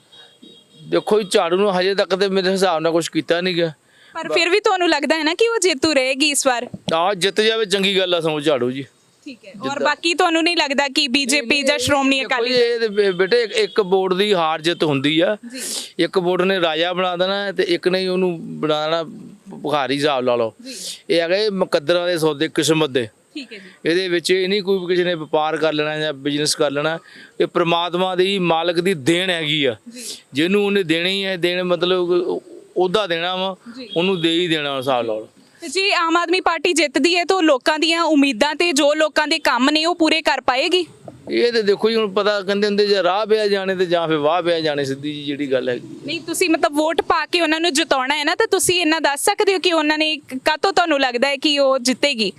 ਦੇਖੋ ਜੀ, ਝਾੜੂ ਨੂੰ ਹਜੇ ਤੱਕ ਤੇ ਮੇਰੇ ਹਿਸਾਬ ਨਾਲ ਕੁਝ ਕੀਤਾ ਨਹੀਂ ਗਿਆ,
ਪਰ ਫਿਰ ਵੀ ਤੁਹਾਨੂੰ ਲੱਗਦਾ ਹੈ ਨਾ ਕਿ ਉਹ ਜੇਤੂ ਰਹੇਗੀ ਇਸ ਵਾਰ?
ਆ ਜਿੱਤ ਜਾਵੇ ਚੰਗੀ ਗੱਲ ਆ, ਸਮਝ ਝਾੜੂ ਜੀ।
ਠੀਕ ਹੈ, ਔਰ ਬਾਕੀ ਤੁਹਾਨੂੰ ਨਹੀਂ ਲੱਗਦਾ ਕਿ ਬੀਜੇਪੀ ਜਾਂ ਸ਼੍ਰੋਮਣੀ ਅਕਾਲੀ ਦਲ?
ਇਹ ਤੇ ਬੇ- ਬੇਟੇ ਇੱਕ- ਇੱਕ ਵੋਟ ਦੀ ਹਾਰ ਜਿੱਤ ਹੁੰਦੀ ਆ, ਇੱਕ ਵੋਟ ਨੇ ਰਾਜਾ ਬਣਾ ਦੇਣਾ ਤੇ ਇੱਕ ਨੇ ਉਹਨੂੰ ਬਣਾ ਦੇਣਾ ਭਿਖਾਰੀ, ਹਿਸਾਬ ਲਾ ਲਓ। ਇਹ ਹੈਗੇ ਮੁਕੱਦਰਾਂ ਦੇ ਸੌਦੇ, ਕਿਸਮਤ ਦੇ।
ਠੀਕ ਹੈ ਜੀ,
ਇਹਦੇ ਵਿੱਚ ਇਹ ਨਹੀਂ ਕੋਈ ਕਿਸੇ ਨੇ ਵਪਾਰ ਕਰ ਲੈਣਾ ਜਾਂ ਬਿਜ਼ਨਸ ਕਰ ਲੈਣਾ, ਇਹ ਪ੍ਰਮਾਤਮਾ ਦੀ ਮਾਲਕ ਦੀ ਦੇਣ ਹੈਗੀ ਆ, ਜਿਹਨੂੰ ਉਹਨੇ ਦੇਣੀ ਹੈ। ਦੇਣ ਮਤਲਬ ਉਹਦਾ ਦੇਣਾ ਵਾ, ਉਹਨੂੰ ਦੇ ਹੀ ਦੇਣਾ, ਹਿਸਾਬ ਲਾ ਲਓ।
ਤੇ ਜੇ ਆਮ ਆਦਮੀ ਪਾਰਟੀ ਜਿੱਤਦੀ ਹੈ ਤਾਂ ਲੋਕਾਂ ਦੀਆਂ ਉਮੀਦਾਂ ਤੇ ਜੋ ਲੋਕਾਂ ਦੇ ਕੰਮ ਨੇ ਉਹ ਪੂਰੇ ਕਰ ਪਾਏਗੀ।
ਇਹ ਤੇ ਦੇਖੋ ਜੀ ਹੁਣ ਪਤਾ ਕਹਿੰਦੇ ਹੁੰਦੇ ਜੇ ਰਾਹ ਪਿਆ ਜਾਣੇ ਤੇ ਜਾਂ ਫਿਰ ਵਾਹ ਪਿਆ ਜਾਣੇ, ਸਿੱਧੀ ਜੀ ਜਿਹੜੀ ਗੱਲ ਹੈਗੀ।
ਨਹੀਂ ਤੁਸੀਂ ਮਤਲਬ ਵੋਟ ਪਾ ਕੇ ਉਹਨਾਂ ਨੂੰ ਜਿਤਾਉਣਾ ਹੈ ਨਾ, ਤਾਂ ਤੁਸੀਂ ਇਹਨਾਂ ਦੱਸ ਸਕਦੇ ਹੋ ਕਿ ਉਹਨਾਂ ਨੇ ਕਾਹਤੋਂ ਤੁਹਾਨੂੰ ਲੱਗਦਾ ਹੈ ਕਿ ਉਹ ਜਿੱਤੇਗੀ?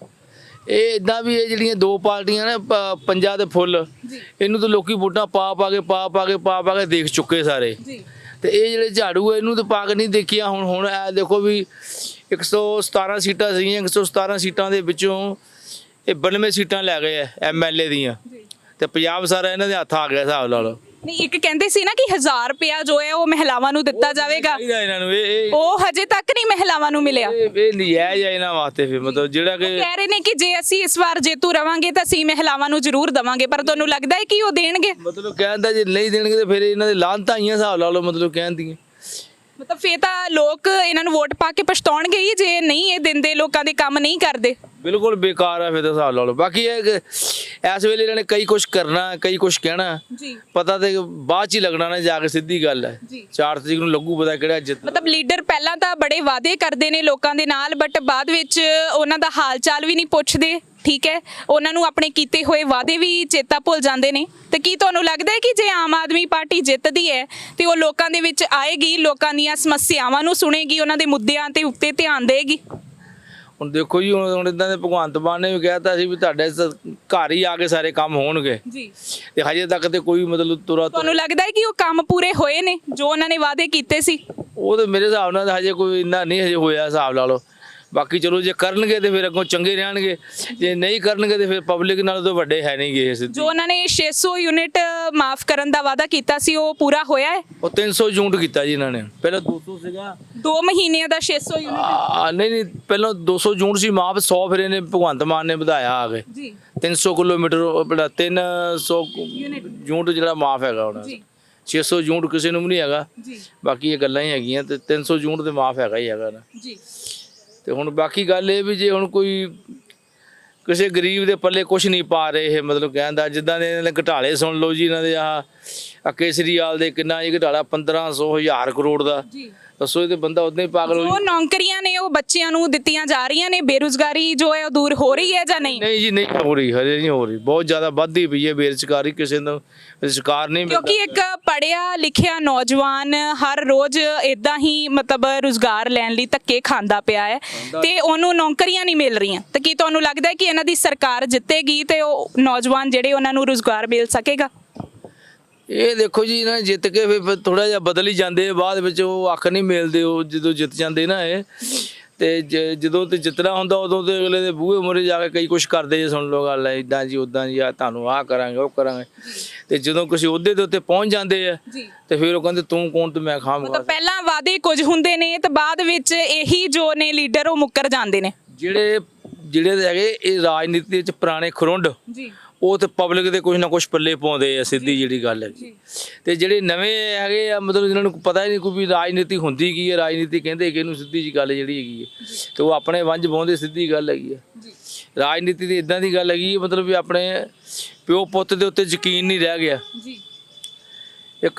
ਇਹ ਇਦਾਂ ਵੀ ਇਹ ਜਿਹੜੀਆਂ ਦੋ ਪਾਰਟੀਆਂ ਨੇ ਪ- ਪੰਜਾਂ ਦੇ ਫੁੱਲ, ਇਹਨੂੰ ਤਾਂ ਲੋਕੀ ਵੋਟਾਂ ਪਾ ਪਾ ਕੇ ਪਾ ਪਾ ਕੇ ਪਾ ਪਾ ਕੇ ਦੇਖ ਚੁੱਕੇ ਸਾਰੇ। ਤੇ ਇਹ ਜਿਹੜੇ ਝਾੜੂ ਆ ਇਹਨੂੰ ਤਾਂ ਪਾ ਕੇ ਨਹੀਂ ਦੇਖਿਆ। ਹੁਣ ਹੁਣ ਇਹ ਦੇਖੋ ਵੀ ਇੱਕ ਸੌ ਸਤਾਰਾਂ ਸੀਟਾਂ ਸੀਗੀਆਂ, ਇੱਕ ਸੌ ਸਤਾਰਾਂ ਸੀਟਾਂ ਦੇ ਵਿੱਚੋਂ ਇਹ ਬਾਨਵੇਂ ਸੀਟਾਂ ਲੈ ਗਏ ਆ ਐਮ ਐਲ ਏ ਦੀਆਂ, ਤੇ ਪੰਜਾਬ ਸਾਰਾ ਇਹਨਾਂ ਦੇ ਹੱਥ ਆ ਗਿਆ, ਹਿਸਾਬ ਲਾ ਲਓ।
ਨਹੀਂ ਇੱਕ ਕਹਿੰਦੇ ਸੀ ਨਾ ਕਿ ਹਜ਼ਾਰ ਰੁਪਇਆ ਜੋ ਹੈ ਉਹ ਮਹਿਲਾਵਾਂ ਨੂੰ ਦਿੱਤਾ ਜਾਵੇਗਾ,
ਚਾਹੀਦਾ ਇਹਨਾਂ ਨੂੰ ਇਹ ਇਹ
ਉਹ ਹਜੇ ਤੱਕ ਨਹੀਂ ਮਹਿਲਾਵਾਂ ਨੂੰ ਮਿਲਿਆ।
ਇਹ ਇਹ ਨਜਾਇਜ਼ ਆ ਇਹਨਾਂ ਵਾਸਤੇ। ਫਿਰ ਮਤਲਬ ਜਿਹੜਾ ਕਿ
ਕਹਿ ਰਹੇ ਨੇ ਕਿ ਜੇ ਅਸੀਂ ਇਸ ਵਾਰ ਜੇਤੂ ਰਵਾਂਗੇ ਤਾਂ ਅਸੀਂ ਮਹਿਲਾਵਾਂ ਨੂੰ ਜ਼ਰੂਰ ਦਵਾਂਗੇ, ਪਰ ਤੁਹਾਨੂੰ ਲੱਗਦਾ ਹੈ ਕਿ ਉਹ ਦੇਣਗੇ?
ਮਤਲਬ ਕਹਿੰਦਾ ਜੇ ਨਹੀਂ ਦੇਣਗੇ ਤੇ ਫਿਰ ਇਹਨਾਂ ਦੇ ਲਾਹਨਤਾਂ ਆਈਆਂ, ਹਿਸਾਬ ਲਾ ਲਓ। ਮਤਲਬ ਕਹਿੰਦੀਆਂ
ਮਤਲਬ ਫੇਰ ਤਾਂ ਲੋਕ ਇਹਨਾਂ ਨੂੰ ਵੋਟ ਪਾ ਕੇ ਪਛਤਾਉਣਗੇ ਹੀ ਜੇ ਨਹੀਂ ਇਹ ਦਿੰਦੇ, ਲੋਕਾਂ ਦੇ ਕੰਮ ਨਹੀਂ ਕਰਦੇ।
ਬਿਲਕੁਲ ਬੇਕਾਰ ਆ ਫਿਰ ਤਾਂ, ਹਿਸਾਬ ਲਾ ਲਓ। ਬਾਕੀ ਇਹ ਕਿ ਇਸ ਵੇਲੇ ਇਹਨਾਂ ਨੇ ਕਈ ਕੁਝ ਕਰਨਾ, ਕਈ ਕੁਝ ਕਹਿਣਾ,
ਜੀ
ਪਤਾ ਤੇ ਬਾਅਦ ਚ ਹੀ ਲੱਗਣਾ ਨਾ ਜਾ ਕੇ, ਸਿੱਧੀ ਗੱਲ ਹੈ। ਚਾਰ ਤਰੀਕ ਨੂੰ ਲੱਗੂ ਪਤਾ ਕਿਹੜਾ ਜਿੱਤ।
ਮਤਲਬ ਲੀਡਰ ਪਹਿਲਾਂ ਤਾਂ ਬੜੇ ਵਾਅਦੇ ਕਰਦੇ ਨੇ ਲੋਕਾਂ ਦੇ ਨਾਲ, ਬਟ ਬਾਅਦ ਵਿੱਚ ਉਹਨਾਂ ਦਾ ਹਾਲ ਚਾਲ ਵੀ ਨਹੀਂ ਪੁੱਛਦੇ, ਠੀਕ ਹੈ, ਉਹਨਾਂ ਨੂੰ ਆਪਣੇ ਕੀਤੇ ਹੋਏ ਵਾਅਦੇ ਵੀ ਚੇਤਾ ਭੁੱਲ ਜਾਂਦੇ ਨੇ। ਤੇ ਕੀ ਤੁਹਾਨੂੰ ਲੱਗਦਾ ਹੈ ਕਿ ਜੇ ਆਮ ਆਦਮੀ ਪਾਰਟੀ ਜਿੱਤਦੀ ਹੈ ਤੇ ਉਹ ਲੋਕਾਂ ਦੇ ਵਿੱਚ ਆਏਗੀ, ਲੋਕਾਂ ਦੀਆਂ ਸਮੱਸਿਆਵਾਂ ਨੂੰ ਸੁਣੇਗੀ, ਉਹਨਾਂ ਦੇ ਮੁੱਦਿਆਂ ਤੇ ਉੱਤੇ ਧਿਆਨ ਦੇਗੀ?
ਹੁਣ ਦੇਖੋ ਜੀ, ਹੁਣ ਹੁਣ ਇਦਾਂ ਦੇ ਭਗਵੰਤ ਮਾਨ ਨੇ ਵੀ ਕਹਿਤਾ ਸੀ ਵੀ ਤੁਹਾਡੇ ਸ- ਘਰ ਹੀ ਆ ਕੇ ਸਾਰੇ ਕੰਮ ਹੋਣਗੇ,
ਜੀ
ਤੇ ਹਜੇ ਤੱਕ ਤੇ ਕੋਈ ਮਤਲਬ ਤੁਰਾ
ਤੁਹਾਨੂੰ ਲੱਗਦਾ ਹੈ ਕਿ ਉਹ ਕੰਮ ਪੂਰੇ ਹੋਏ ਨੇ ਜੋ ਉਹਨਾਂ ਨੇ ਵਾਅਦੇ ਕੀਤੇ ਸੀ?
ਉਹ ਤੇ ਮੇਰੇ ਹਿਸਾਬ ਨਾਲ ਤਾਂ ਹਜੇ ਕੋਈ ਇੰਨਾ ਨਹੀਂ ਹਜੇ ਹੋਇਆ, ਹਿਸਾਬ ਲਾ ਲਓ। ਬਾਕੀ ਚਲੋ ਜੇ ਕਰਨਗੇ ਤੇ ਫਿਰ ਅੱਗੋਂ ਚੰਗੇ ਰਹਿਣਗੇ, ਜੇ ਨਹੀਂ ਕਰਨਗੇ ਤੇ ਫਿਰ ਪਬਲਿਕ ਨਾਲ ਤਾਂ ਵੱਡੇ ਹੈ ਨਹੀਂਗੇ ਇਹ ਸਿੱਧੀ।
ਜੋ ਉਹਨਾਂ ਨੇ ਛੇ ਸੌ ਯੂਨਿਟ ਮਾਫ ਕਰਨ ਦਾ ਵਾਅਦਾ ਕੀਤਾ ਸੀ ਉਹ ਪੂਰਾ ਹੋਇਆ ਹੈ?
ਉਹ ਤਿੰਨ ਸੌ ਯੂਨਿਟ ਕੀਤਾ ਜੀ ਇਹਨਾਂ ਨੇ, ਪਹਿਲਾਂ ਦੋ ਸੌ ਸੀਗਾ,
ਦੋ ਮਹੀਨਿਆਂ ਦਾ ਛੇ ਸੌ ਯੂਨਿਟ?
ਆ ਨਹੀਂ ਨਹੀਂ ਪਹਿਲਾਂ ਦੋ ਸੌ ਯੂਨਿਟ ਸੀ ਮਾਫ, ਸੌ ਫਿਰ ਇਹਨੇ ਭਗਵੰਤ ਮਾਨ ਨੇ ਵਧਾਇਆ ਆ ਕੇ
ਜੀ
ਤਿੰਨ ਸੌ ਕਿਲੋਮੀਟਰ, ਆਪਣਾ ਤਿੰਨ ਸੌ ਯੂਨਿਟ ਜਿਹੜਾ ਮਾਫ ਹੈਗਾ ਹੁਣ। ਛੇ ਸੌ ਯੂਨਿਟ ਕਿਸੇ ਨੂੰ ਵੀ ਨਹੀਂ ਹੈਗਾ,
ਜੀ
ਬਾਕੀ ਇਹ ਗੱਲਾਂ ਹੀ ਹੈਗੀਆਂ। ਤੇ ਤਿੰਨ ਸੌ ਯੂਨਿਟ ਤੇ ਮਾਫ ਹੈਗਾ ਹੀ ਹੈਗਾ ਨਾ
ਜੀ।
ਤੇ ਹੁਣ ਬਾਕੀ ਗੱਲ ਇਹ ਵੀ ਜੇ ਹੁਣ ਕੋਈ ਕਿਸੇ ਗਰੀਬ ਦੇ ਪੱਲੇ ਕੁਝ ਨਹੀਂ ਪਾ ਰਹੇ ਇਹ, ਮਤਲਬ ਕਹਿੰਦਾ ਜਿੱਦਾਂ ਦੇ ਇਹਨਾਂ ਦੇ ਘਟਾਲੇ ਸੁਣ ਲਓ ਜੀ, ਇਹਨਾਂ ਦੇ ਆਹ ਆ ਕੇਸਰੀਵਾਲ ਦੇ ਕਿੰਨਾ ਇਹ ਘਟਾਲਾ ਪੰਦਰਾਂ ਸੌ ਹਜ਼ਾਰ ਕਰੋੜ ਦਾ, ਦੱਸੋ ਇਹ ਤੇ ਬੰਦਾ ਉਦਾਂ ਹੀ ਪਾਗਲ ਹੋ
ਉਹ ਨੌਕਰੀਆਂ ਨੇ ਉਹ ਬੱਚਿਆਂ ਨੂੰ ਦਿੱਤੀਆਂ ਜਾ ਰਹੀਆਂ ਨੇ, ਬੇਰੁਜ਼ਗਾਰੀ ਜੋ ਹੈ ਉਹ ਦੂਰ ਹੋ ਰਹੀ ਹੈ ਜਾਂ ਨਹੀਂ?
ਨਹੀਂ ਜੀ ਨਹੀਂ ਹੋ ਰਹੀ, ਹਜੇ ਨਹੀਂ ਹੋ ਰਹੀ, ਬਹੁਤ ਜ਼ਿਆਦਾ ਵੱਧਦੀ ਪਈ ਹੈ ਬੇਰੁਜ਼ਗਾਰੀ, ਕਿਸੇ ਨੂੰ ਰੁਜ਼ਗਾਰ ਨਹੀਂ ਮਿਲਦਾ।
ਕਿਉਂਕਿ ਇੱਕ ਪੜ੍ਹਿਆ ਲਿਖਿਆ ਨੌਜਵਾਨ ਹਰ ਰੋਜ਼ ਇਦਾਂ ਹੀ ਮਤਲਬ ਰੁਜ਼ਗਾਰ ਲੈਣ ਲਈ ਧੱਕੇ ਖਾਂਦਾ ਪਿਆ ਹੈ ਤੇ ਉਹਨੂੰ ਨੌਕਰੀਆਂ ਨਹੀਂ ਮਿਲ ਰਹੀਆਂ। ਤਾਂ ਕੀ ਤੁਹਾਨੂੰ ਲੱਗਦਾ ਹੈ ਕਿ ਇਹਨਾਂ ਦੀ ਸਰਕਾਰ ਜਿੱਤੇਗੀ ਤੇ ਉਹ ਨੌਜਵਾਨ ਜਿਹੜੇ ਉਹਨਾਂ ਨੂੰ ਰੁਜ਼ਗਾਰ ਮਿਲ ਸਕੇਗਾ?
ਇਹ ਦੇਖੋ ਜੀ ਇਹਨਾਂ ਨੇ ਜਿੱਤ ਕੇ ਫਿਰ ਥੋੜਾ ਜਿਹਾ ਬਦਲ ਹੀ ਜਾਂਦੇ, ਬਾਅਦ ਵਿੱਚ ਉਹ ਅੱਖ ਨਹੀਂ ਮਿਲਦੇ ਉਹ ਜਦੋਂ ਜਿੱਤ ਜਾਂਦੇ ਨਾ ਇਹ। ਤੇ ਜ- ਜਦੋਂ ਤੇ ਜਿੱਤਣਾ ਹੁੰਦਾ ਉਦੋਂ ਤੇ ਅਗਲੇ ਦੇ ਬੂਹੇ ਮੂਹਰੇ ਜਾ ਕੇ ਕਈ ਕੁਝ ਕਰਦੇ ਜੇ, ਸੁਣ ਲਓ ਗੱਲ ਇਦਾਂ ਜੀ ਉਦਾਂ ਜੀ, ਆ ਤੁਹਾਨੂੰ ਆਹ ਕਰਾਂਗੇ ਉਹ ਕਰਾਂਗੇ। ਤੇ ਜਦੋਂ ਕਿਸੇ ਅਹੁਦੇ ਦੇ ਉੱਤੇ ਪਹੁੰਚ ਜਾਂਦੇ ਆ ਤੇ ਫਿਰ ਉਹ ਕਹਿੰਦੇ ਤੂੰ ਕੌਣ ਤੇ ਮੈਂ ਖਾਮ।
ਮਤਲਬ ਪਹਿਲਾਂ ਵਾਅਦੇ ਕੁਝ ਹੁੰਦੇ ਨੇ ਤੇ ਬਾਅਦ ਵਿੱਚ ਇਹੀ ਜੋ ਨੇ ਲੀਡਰ ਉਹ ਮੁੱਕਰ ਜਾਂਦੇ ਨੇ।
ਜਿਹੜੇ ਜਿਹੜੇ ਹੈਗੇ ਇਹ ਰਾਜਨੀਤੀ ਵਿੱਚ ਪੁਰਾਣੇ ਖਰੁੰਡ,
ਜੀ
ਉਹ ਤੇ ਪਬਲਿਕ ਦੇ ਕੁਝ ਨਾ ਕੁਝ ਪੱਲੇ ਪਾਉਂਦੇ ਆ, ਸਿੱਧੀ ਜਿਹੜੀ ਗੱਲ ਹੈਗੀ। ਤੇ ਜਿਹੜੇ ਨਵੇਂ ਹੈਗੇ ਆ ਮਤਲਬ ਜਿਹਨਾਂ ਨੂੰ ਪਤਾ ਹੀ ਨਹੀਂ ਕੋਈ ਵੀ ਰਾਜਨੀਤੀ ਹੁੰਦੀ ਕੀ ਹੈ, ਰਾਜਨੀਤੀ ਕਹਿੰਦੇ ਕਿ ਇਹਨੂੰ, ਸਿੱਧੀ ਜੀ ਗੱਲ ਜਿਹੜੀ ਹੈਗੀ ਹੈ। ਤੇ ਉਹ ਆਪਣੇ ਵੰਝ ਪਾਉਂਦੇ, ਸਿੱਧੀ ਗੱਲ ਹੈਗੀ ਹੈ। ਰਾਜਨੀਤੀ ਦੀ ਇਦਾਂ ਦੀ ਗੱਲ ਹੈਗੀ ਮਤਲਬ ਵੀ ਆਪਣੇ ਪਿਓ ਪੁੱਤ ਦੇ ਉੱਤੇ ਯਕੀਨ ਨਹੀਂ ਰਹਿ ਗਿਆ।
ਜੀ
ਇੱਕ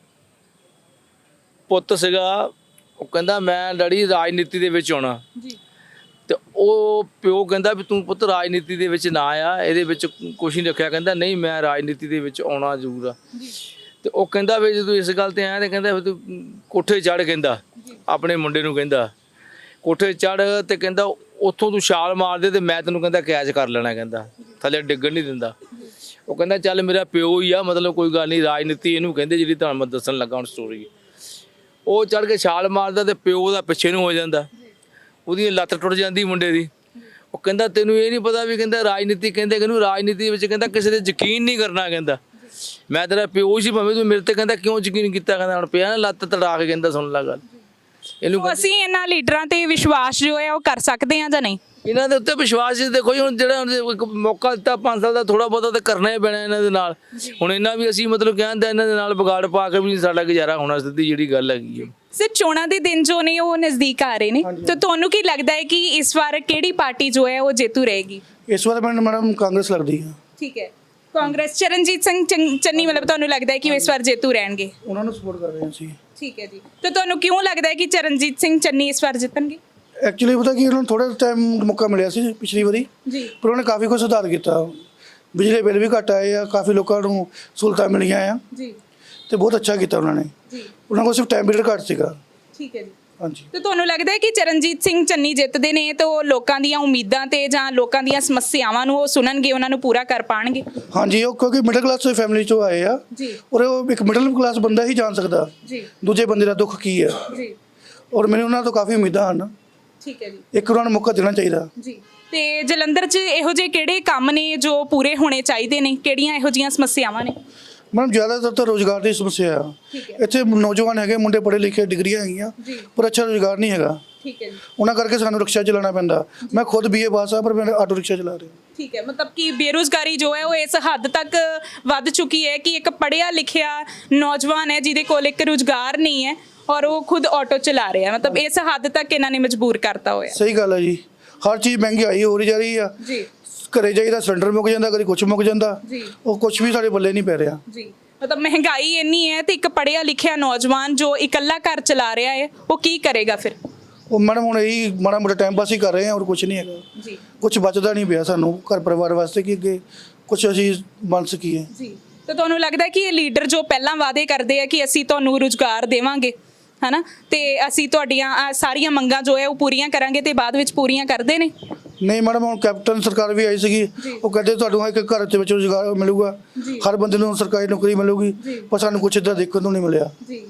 ਪੁੱਤ ਸੀਗਾ, ਉਹ ਕਹਿੰਦਾ ਮੈਂ ਡੈਡੀ ਰਾਜਨੀਤੀ ਦੇ ਵਿੱਚ ਆਉਣਾ,
ਜੀ
ਤੇ ਉਹ ਪਿਓ ਕਹਿੰਦਾ ਵੀ ਤੂੰ ਪੁੱਤ ਰਾਜਨੀਤੀ ਦੇ ਵਿੱਚ ਨਾ ਆ, ਇਹਦੇ ਵਿੱਚ ਕੁਛ ਨਹੀਂ ਰੱਖਿਆ। ਕਹਿੰਦਾ ਨਹੀਂ ਮੈਂ ਰਾਜਨੀਤੀ ਦੇ ਵਿੱਚ ਆਉਣਾ ਜ਼ਰੂਰ ਆ। ਤੇ ਉਹ ਕਹਿੰਦਾ ਵੀ ਜਦੋਂ ਇਸ ਗੱਲ ਤੇ ਆਇਆ ਤੇ ਕਹਿੰਦਾ ਵੀ ਤੂੰ ਕੋਠੇ ਚੜ੍ਹ, ਕਹਿੰਦਾ ਆਪਣੇ ਮੁੰਡੇ ਨੂੰ ਕਹਿੰਦਾ ਕੋਠੇ ਚੜ੍ਹ ਤੇ ਕਹਿੰਦਾ ਉੱਥੋਂ ਤੂੰ ਛਾਲ ਮਾਰ ਦੇ ਤੇ ਮੈਂ ਤੈਨੂੰ ਕਹਿੰਦਾ ਕੈਚ ਕਰ ਲੈਣਾ, ਕਹਿੰਦਾ ਥੱਲੇ ਡਿੱਗਣ ਨਹੀਂ ਦਿੰਦਾ। ਉਹ ਕਹਿੰਦਾ ਚੱਲ ਮੇਰਾ ਪਿਓ ਹੀ ਆ, ਮਤਲਬ ਕੋਈ ਗੱਲ ਨਹੀਂ, ਰਾਜਨੀਤੀ ਇਹਨੂੰ ਕਹਿੰਦੇ ਜਿਹੜੀ ਤੁਹਾਨੂੰ ਮੈਂ ਦੱਸਣ ਲੱਗਾ ਹੁਣ ਸਟੋਰੀ। ਉਹ ਚੜ੍ਹ ਕੇ ਛਾਲ ਮਾਰਦਾ ਤੇ ਪਿਓ ਦਾ ਪਿੱਛੇ ਨੂੰ ਹੋ ਜਾਂਦਾ, ਉਹਦੀ ਲੱਤ ਟੁੱਟ ਜਾਂਦੀ ਮੁੰਡੇ ਦੀ। ਉਹ ਕਹਿੰਦਾ ਤੈਨੂੰ ਇਹ ਨਹੀਂ ਪਤਾ ਵੀ ਕਹਿੰਦਾ ਰਾਜਨੀਤੀ ਕਹਿੰਦੇ ਕਿ ਇਹਨੂੰ ਰਾਜਨੀਤੀ ਵਿੱਚ ਕਹਿੰਦਾ ਕਿਸੇ ਤੇ ਯਕੀਨ ਨਹੀਂ ਕਰਨਾ, ਕਹਿੰਦਾ ਮੈਂ ਤੇਰਾ ਪਿਓ ਸੀ ਭਾਵੇਂ ਤੂੰ ਮੇਰੇ ਤੇ ਕਹਿੰਦਾ ਕਿਉਂ ਯਕੀਨ ਕੀਤਾ, ਕਹਿੰਦਾ ਹੁਣ ਪਿਆ ਨਾ ਲੱਤ ਤੜਾ ਕੇ, ਕਹਿੰਦਾ ਸੁਣ ਲਾ ਗੱਲ ਇਹਨੂੰ।
ਅਸੀਂ ਇਹਨਾਂ ਲੀਡਰਾਂ ਤੇ ਵਿਸ਼ਵਾਸ ਜੋ ਹੈ ਉਹ ਕਰ ਸਕਦੇ ਹਾਂ ਜਾਂ ਨਹੀਂ?
ਇਹਨਾਂ ਦੇ ਉੱਤੇ ਵਿਸ਼ਵਾਸ ਦੇਖੋ ਜੀ, ਹੁਣ ਜਿਹੜਾ ਇੱਕ ਮੌਕਾ ਦਿੱਤਾ ਪੰਜ ਸਾਲ ਦਾ, ਥੋੜਾ ਬਹੁਤਾ ਤਾਂ ਕਰਨਾ ਹੀ ਪੈਣਾ ਇਹਨਾਂ ਦੇ ਨਾਲ। ਹੁਣ ਇਹਨਾਂ ਵੀ ਅਸੀਂ ਮਤਲਬ ਕਹਿੰਦੇ ਇਹਨਾਂ ਦੇ ਨਾਲ ਵਿਗਾੜ ਪਾ ਕੇ ਵੀ ਸਾਡਾ ਗੁਜ਼ਾਰਾ ਹੋਣਾ, ਸਿੱਧੀ ਜਿਹੜੀ ਗੱਲ ਹੈਗੀ ਹੈ।
ਸਰ ਚੋਣਾਂ ਦੇ ਦਿਨ ਜੋ ਨੇ ਉਹ ਨਜ਼ਦੀਕ ਆ ਰਹੇ ਨੇ, ਤਾਂ ਤੁਹਾਨੂੰ ਕੀ ਲੱਗਦਾ ਹੈ ਕਿ ਇਸ ਵਾਰ ਕਿਹੜੀ ਪਾਰਟੀ ਜੋ ਹੈ ਉਹ ਜੇਤੂ ਰਹੇਗੀ?
ਇਸ ਵਾਰ ਮੈਨੂੰ ਮੈਡਮ ਕਾਂਗਰਸ ਲੱਗਦੀ ਆ।
ਠੀਕ ਹੈ, ਕਾਂਗਰਸ, ਚਰਨਜੀਤ ਸਿੰਘ ਚੰ- ਚੰਨੀ ਮਤਲਬ ਤੁਹਾਨੂੰ ਲੱਗਦਾ ਹੈ ਕਿ ਉਹ ਇਸ ਵਾਰ ਜੇਤੂ ਰਹਿਣਗੇ?
ਉਹਨਾਂ ਨੂੰ ਸਪੋਰਟ ਕਰ ਰਹੇ ਹਾਂ ਅਸੀਂ।
ਠੀਕ ਹੈ ਜੀ, ਤਾਂ ਤੁਹਾਨੂੰ ਕਿਉਂ ਲੱਗਦਾ ਹੈ ਕਿ ਚਰਨਜੀਤ ਸਿੰਘ ਚੰਨੀ ਇਸ ਵਾਰ ਜਿੱਤਣਗੇ?
ਐਕਚੁਅਲੀ ਪਤਾ ਕੀ, ਉਹਨਾਂ ਨੂੰ ਥੋੜਾ ਟਾਈਮ ਮੌਕਾ ਮਿਲਿਆ ਸੀ ਪਿਛਲੀ ਵਾਰੀ,
ਜੀ
ਪਰ ਉਹਨੇ ਕਾਫੀ ਕੁਝ ਸੁਧਾਰ ਕੀਤਾ। ਬਿਜਲੀ ਬਿੱਲ ਵੀ ਘੱਟ ਆਏ ਆ, ਕਾਫੀ ਲੋਕਾਂ ਨੂੰ ਸਹੂਲਤਾਂ ਮਿਲੀਆਂ ਆ
ਜੀ
ਤੇ ਬਹੁਤ ਅੱਛਾ ਕੀਤਾ ਉਹਨਾਂ ਨੇ।
ਜੀ
ਉਹਨਾਂ ਕੋਲ ਸਿਰਫ ਟਾਈਮ ਪੀਰੀਅਡ ਘੱਟ ਸੀਗਾ।
ਠੀਕ ਹੈ ਜੀ।
ਹਾਂਜੀ।
ਤੇ ਤੁਹਾਨੂੰ ਲੱਗਦਾ ਹੈ ਕਿ ਚਰਨਜੀਤ ਸਿੰਘ ਚੰਨੀ ਜਿੱਤਦੇ ਨੇ ਤਾਂ ਉਹ ਲੋਕਾਂ ਦੀਆਂ ਉਮੀਦਾਂ ਤੇ ਜਾਂ ਲੋਕਾਂ ਦੀਆਂ ਸਮੱਸਿਆਵਾਂ ਨੂੰ ਉਹ ਸੁਣਨਗੇ, ਉਹਨਾਂ ਨੂੰ ਪੂਰਾ ਕਰ ਪਾਣਗੇ?
ਹਾਂਜੀ, ਉਹ ਕਿਉਂਕਿ ਮਿਡਲ ਕਲਾਸ ਫੈਮਿਲੀ ਚੋਂ ਆਏ ਆ
ਜੀ
ਔਰ ਉਹ ਇੱਕ ਮਿਡਲ ਕਲਾਸ ਬੰਦਾ ਹੀ ਜਾਣ ਸਕਦਾ
ਜੀ
ਦੂਜੇ ਬੰਦੇ ਦਾ ਦੁੱਖ ਕੀ ਹੈ।
ਜੀ
ਔਰ ਮੈਨੂੰ ਉਹਨਾਂ ਤੋਂ ਕਾਫੀ ਉਮੀਦਾਂ ਹਨ।
ਠੀਕ ਹੈ ਜੀ।
ਇੱਕ ਉਹਨਾਂ ਨੂੰ ਮੌਕਾ ਦੇਣਾ ਚਾਹੀਦਾ।
ਜੀ ਤੇ ਜਲੰਧਰ 'ਚ ਇਹੋ ਜਿਹੇ ਕਿਹੜੇ ਕੰਮ ਨੇ ਜੋ ਪੂਰੇ ਹੋਣੇ ਚਾਹੀਦੇ ਨੇ? ਕਿਹੜੀਆਂ ਇਹੋ ਜਿਹੀਆਂ ਸਮੱਸਿਆਵਾਂ ਨੇ?
ਮੈਡਮ ਜ਼ਿਆਦਾਤਰ ਤਾਂ ਰੋਜ਼ਗਾਰ ਦੀ ਸਮੱਸਿਆ ਆ।
ਠੀਕ ਹੈ।
ਇੱਥੇ ਨੌਜਵਾਨ ਹੈਗੇ, ਮੁੰਡੇ ਪੜ੍ਹੇ ਲਿਖੇ, ਡਿਗਰੀਆਂ ਹੈਗੀਆਂ,
ਜੀ
ਪਰ ਅੱਛਾ ਰੋਜ਼ਗਾਰ ਨਹੀਂ ਹੈਗਾ।
ਠੀਕ ਹੈ ਜੀ।
ਉਹਨਾਂ ਕਰਕੇ ਸਾਨੂੰ ਰਿਕਸ਼ਾ ਚਲਾਉਣਾ ਪੈਂਦਾ। ਮੈਂ ਖੁਦ ਬੀਏ ਪਾਸ ਆ, ਪਰ ਮੈਂ ਆਟੋ ਰਿਕਸ਼ਾ ਚਲਾ ਰਿਹਾ।
ਠੀਕ ਹੈ, ਮਤਲਬ ਕਿ ਬੇਰੁਜ਼ਗਾਰੀ ਜੋ ਹੈ ਉਹ ਇਸ ਹੱਦ ਤੱਕ ਵੱਧ ਚੁੱਕੀ ਹੈ ਕਿ ਇੱਕ ਪੜ੍ਹਿਆ ਲਿਖਿਆ ਨੌਜਵਾਨ ਹੈ ਜਿਹਦੇ ਕੋਲ ਇੱਕ ਰੁਜ਼ਗਾਰ ਨਹੀਂ ਹੈ ਔਰ ਉਹ ਖੁਦ ਆਟੋ ਚਲਾ ਰਿਹਾ। ਮਤਲਬ ਇਸ ਹੱਦ ਤੱਕ ਇਹਨਾਂ ਨੇ ਮਜਬੂਰ ਕਰਤਾ ਹੋਇਆ।
ਸਹੀ ਗੱਲ ਹੈ ਜੀ, ਹਰ ਚੀਜ਼ ਮਹਿੰਗਾਈ ਹੋ ਰਹੀ ਜਾ ਰਹੀ ਆ।
ਜੀ
ਘਰੇ ਜਾਈਦਾ ਸਿਲੰਡਰ ਮੁੱਕ ਜਾਂਦਾ, ਕਦੀ ਕੁਛ ਮੁੱਕ ਜਾਂਦਾ,
ਜੀ
ਉਹ ਕੁਛ ਵੀ ਸਾਡੇ ਬੱਲੇ ਨਹੀਂ ਪੈ ਰਿਹਾ।
ਜੀ ਮਤਲਬ ਮਹਿੰਗਾਈ ਇੰਨੀ ਹੈ ਤੇ ਇੱਕ ਪੜ੍ਹਿਆ ਲਿਖਿਆ ਨੌਜਵਾਨ ਜੋ ਇਕੱਲਾ ਘਰ ਚਲਾ ਰਿਹਾ ਹੈ ਉਹ ਕੀ ਕਰੇਗਾ ਫਿਰ?
ਉਹ ਮੈਡਮ ਹੁਣ ਇਹੀ ਮਾੜਾ ਮੋਟਾ ਟਾਈਮ ਪਾਸ ਹੀ ਕਰ ਰਹੇ ਆ, ਔਰ ਕੁਛ ਨਹੀਂ ਹੈਗਾ।
ਜੀ
ਕੁਛ ਬਚਦਾ ਨਹੀਂ ਪਿਆ ਸਾਨੂੰ ਘਰ ਪਰਿਵਾਰ ਵਾਸਤੇ ਕਿ ਅੱਗੇ ਕੁਛ ਅਸੀਂ ਬਣ ਸਕੀਏ।
ਜੀ ਤੇ ਤੁਹਾਨੂੰ ਲੱਗਦਾ ਕਿ ਇਹ ਲੀਡਰ ਜੋ ਪਹਿਲਾਂ ਵਾਅਦੇ ਕਰਦੇ ਆ ਕਿ ਅਸੀਂ ਤੁਹਾਨੂੰ ਰੁਜ਼ਗਾਰ ਦੇਵਾਂਗੇ, ਹਨਾ, ਤੇ ਅਸੀਂ ਤੁਹਾਡੀਆਂ ਆਹ ਸਾਰੀਆਂ ਮੰਗਾਂ ਜੋ ਹੈ ਉਹ ਪੂਰੀਆਂ ਕਰਾਂਗੇ, ਤੇ ਬਾਅਦ ਵਿੱਚ ਪੂਰੀਆਂ ਕਰਦੇ ਨੇ?
ਨਹੀਂ ਮੈਡਮ, ਹੁਣ ਕੈਪਟਨ ਸਰਕਾਰ ਵੀ ਆਈ ਸੀਗੀ, ਉਹ ਕਹਿੰਦੇ ਤੁਹਾਨੂੰ ਇੱਕ ਘਰ ਦੇ ਵਿੱਚ ਰੁਜ਼ਗਾਰ ਮਿਲੂਗਾ, ਹਰ ਬੰਦੇ ਨੂੰ ਸਰਕਾਰੀ ਨੌਕਰੀ ਮਿਲੂਗੀ, ਪਰ ਸਾਨੂੰ ਕੁਛ ਇੱਦਾਂ ਦੇਖਣ ਨੂੰ ਨਹੀਂ ਮਿਲਿਆ।
ਜੀ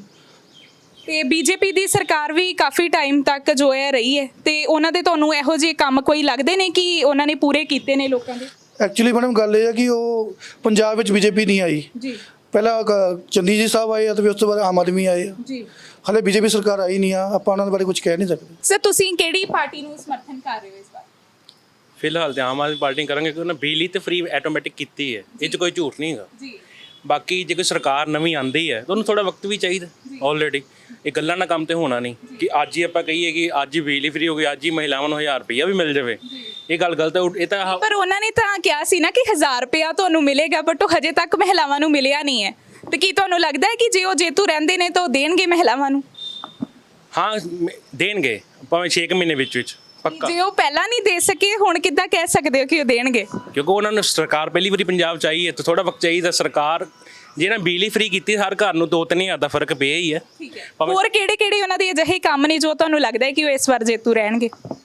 ਤੇ ਬੀਜੇਪੀ ਦੀ ਸਰਕਾਰ ਵੀ ਕਾਫੀ ਟਾਈਮ ਤੱਕ ਜੋ ਹੈ ਰਹੀ ਹੈ, ਤੇ ਉਹਨਾਂ ਦੇ ਤੁਹਾਨੂੰ ਇਹੋ ਜਿਹੇ ਕੰਮ ਕੋਈ ਲੱਗਦੇ ਨੇ ਕਿ ਉਹਨਾਂ ਨੇ ਪੂਰੇ ਕੀਤੇ ਨੇ ਲੋਕਾਂ ਦੇ?
ਐਕਚੁਅਲੀ ਮੈਡਮ ਗੱਲ ਇਹ ਹੈ ਕਿ ਉਹ ਪੰਜਾਬ ਵਿੱਚ ਬੀਜੇਪੀ ਨਹੀਂ ਆਈ।
ਜੀ
ਪਹਿਲਾਂ ਕ- ਚੰਨੀ ਜੀ ਸਾਹਿਬ ਆਏ ਆ ਤੇ ਫਿਰ ਉਸ ਤੋਂ ਬਾਅਦ ਆਮ ਆਦਮੀ ਆਏ ਆ।
ਜੀ
ਹਾਲੇ ਬੀਜੇਪੀ ਸਰਕਾਰ ਆਈ ਨਹੀਂ ਆ, ਆਪਾਂ ਉਹਨਾਂ ਦੇ ਬਾਰੇ ਕੁਝ ਕਹਿ ਨਹੀਂ ਸਕਦੇ।
ਸਰ ਤੁਸੀਂ ਕਿਹੜੀ ਪਾਰਟੀ ਨੂੰ ਸਮਰਥਨ ਕਰ ਰਹੇ ਹੋ ਇਸ ਵਾਰ?
ਫਿਲਹਾਲ ਤੇ ਆਮ ਆਦਮੀ ਪਾਰਟੀ ਕਰਾਂਗੇ ਕਿਉਂਕਿ ਉਹਨਾਂ ਬਿਜਲੀ ਤੇ ਫ੍ਰੀ ਆਟੋਮੈਟਿਕ ਕੀਤੀ ਹੈ, ਇਹ 'ਚ ਕੋਈ ਝੂਠ ਨਹੀਂ ਹੈਗਾ।
ਜੀ
ਬਾਕੀ ਜੇ ਕੋਈ ਸਰਕਾਰ ਨਵੀਂ ਆਂਦੀ ਹੈ ਤਾਂ ਉਹਨੂੰ ਥੋੜਾ ਵਕਤ ਵੀ ਚਾਹੀਦਾ। ਆਲਰੇਡੀ ਇਹ ਗੱਲਾਂ ਨਾਲ ਕੰਮ ਤੇ ਹੋਣਾ ਨਹੀਂ ਕਿ ਅੱਜ ਹੀ ਆਪਾਂ ਕਹੀਏ ਕਿ ਅੱਜ ਹੀ ਬਿਜਲੀ ਫ੍ਰੀ ਹੋ ਗਈ, ਅੱਜ ਹੀ ਮਹਿਲਾਵਾਂ ਨੂੰ ਹਜ਼ਾਰ ਰੁਪਈਆ ਵੀ ਮਿਲ ਜਾਵੇ, ਇਹ ਗੱਲ ਗਲਤ ਹੈ। ਇਹ ਤਾਂ
ਪਰ ਉਹਨਾਂ ਨੇ ਤਾਂ ਕਿਹਾ ਸੀ ਨਾ ਕਿ ਹਜ਼ਾਰ ਰੁਪਇਆ ਤੁਹਾਨੂੰ ਮਿਲੇਗਾ, ਬਟ ਉਹ ਹਜੇ ਤੱਕ ਮਹਿਲਾਵਾਂ ਨੂੰ ਮਿਲਿਆ ਨਹੀਂ ਹੈ। ਤੇ ਕੀ ਤੁਹਾਨੂੰ ਲੱਗਦਾ ਹੈ ਕਿ ਜੇ ਉਹ ਜੇਤੂ ਰਹਿੰਦੇ ਨੇ ਤਾਂ ਉਹ ਦੇਣਗੇ ਮਹਿਲਾਵਾਂ ਨੂੰ?
ਹਾਂ ਮ- ਦੇਣਗੇ, ਭਾਵੇਂ ਛੇ ਕੁ ਮਹੀਨੇ ਵਿੱਚ ਵਿੱਚ ਪੱਕਾ।
ਜੇ ਉਹ ਪਹਿਲਾਂ ਨਹੀਂ ਦੇ ਸਕੇ ਹੁਣ ਕਿੱਦਾਂ ਕਹਿ ਸਕਦੇ ਹੋ ਕਿ ਉਹ ਦੇਣਗੇ?
ਕਿਉਂਕਿ ਉਹਨਾਂ ਨੂੰ ਸਰਕਾਰ ਪਹਿਲੀ ਵਾਰੀ ਪੰਜਾਬ ਚ ਆਈ ਹੈ ਤਾਂ ਥੋੜਾ ਵਕਤ ਚਾਹੀਦਾ। ਸਰਕਾਰ ਜਿਹੜਾ ਬਿਜਲੀ ਫ੍ਰੀ ਕੀਤੀ ਹਰ ਘਰ ਨੂੰ ਦੋ ਤਿੰਨ ਹਜ਼ਾਰ ਦਾ ਫਰਕ ਪਿਆ ਹੀ ਹੈ।
ਠੀਕ ਹੈ, ਹੋਰ ਕਿਹੜੇ ਕਿਹੜੇ ਉਹਨਾਂ ਦੇ ਅਜਿਹੇ ਕੰਮ ਨੇ ਜੋ ਤੁਹਾਨੂੰ ਲੱਗਦਾ ਹੈ ਕਿ ਉਹ ਇਸ ਵਾਰ ਜੇਤੂ ਰਹਿਣਗੇ?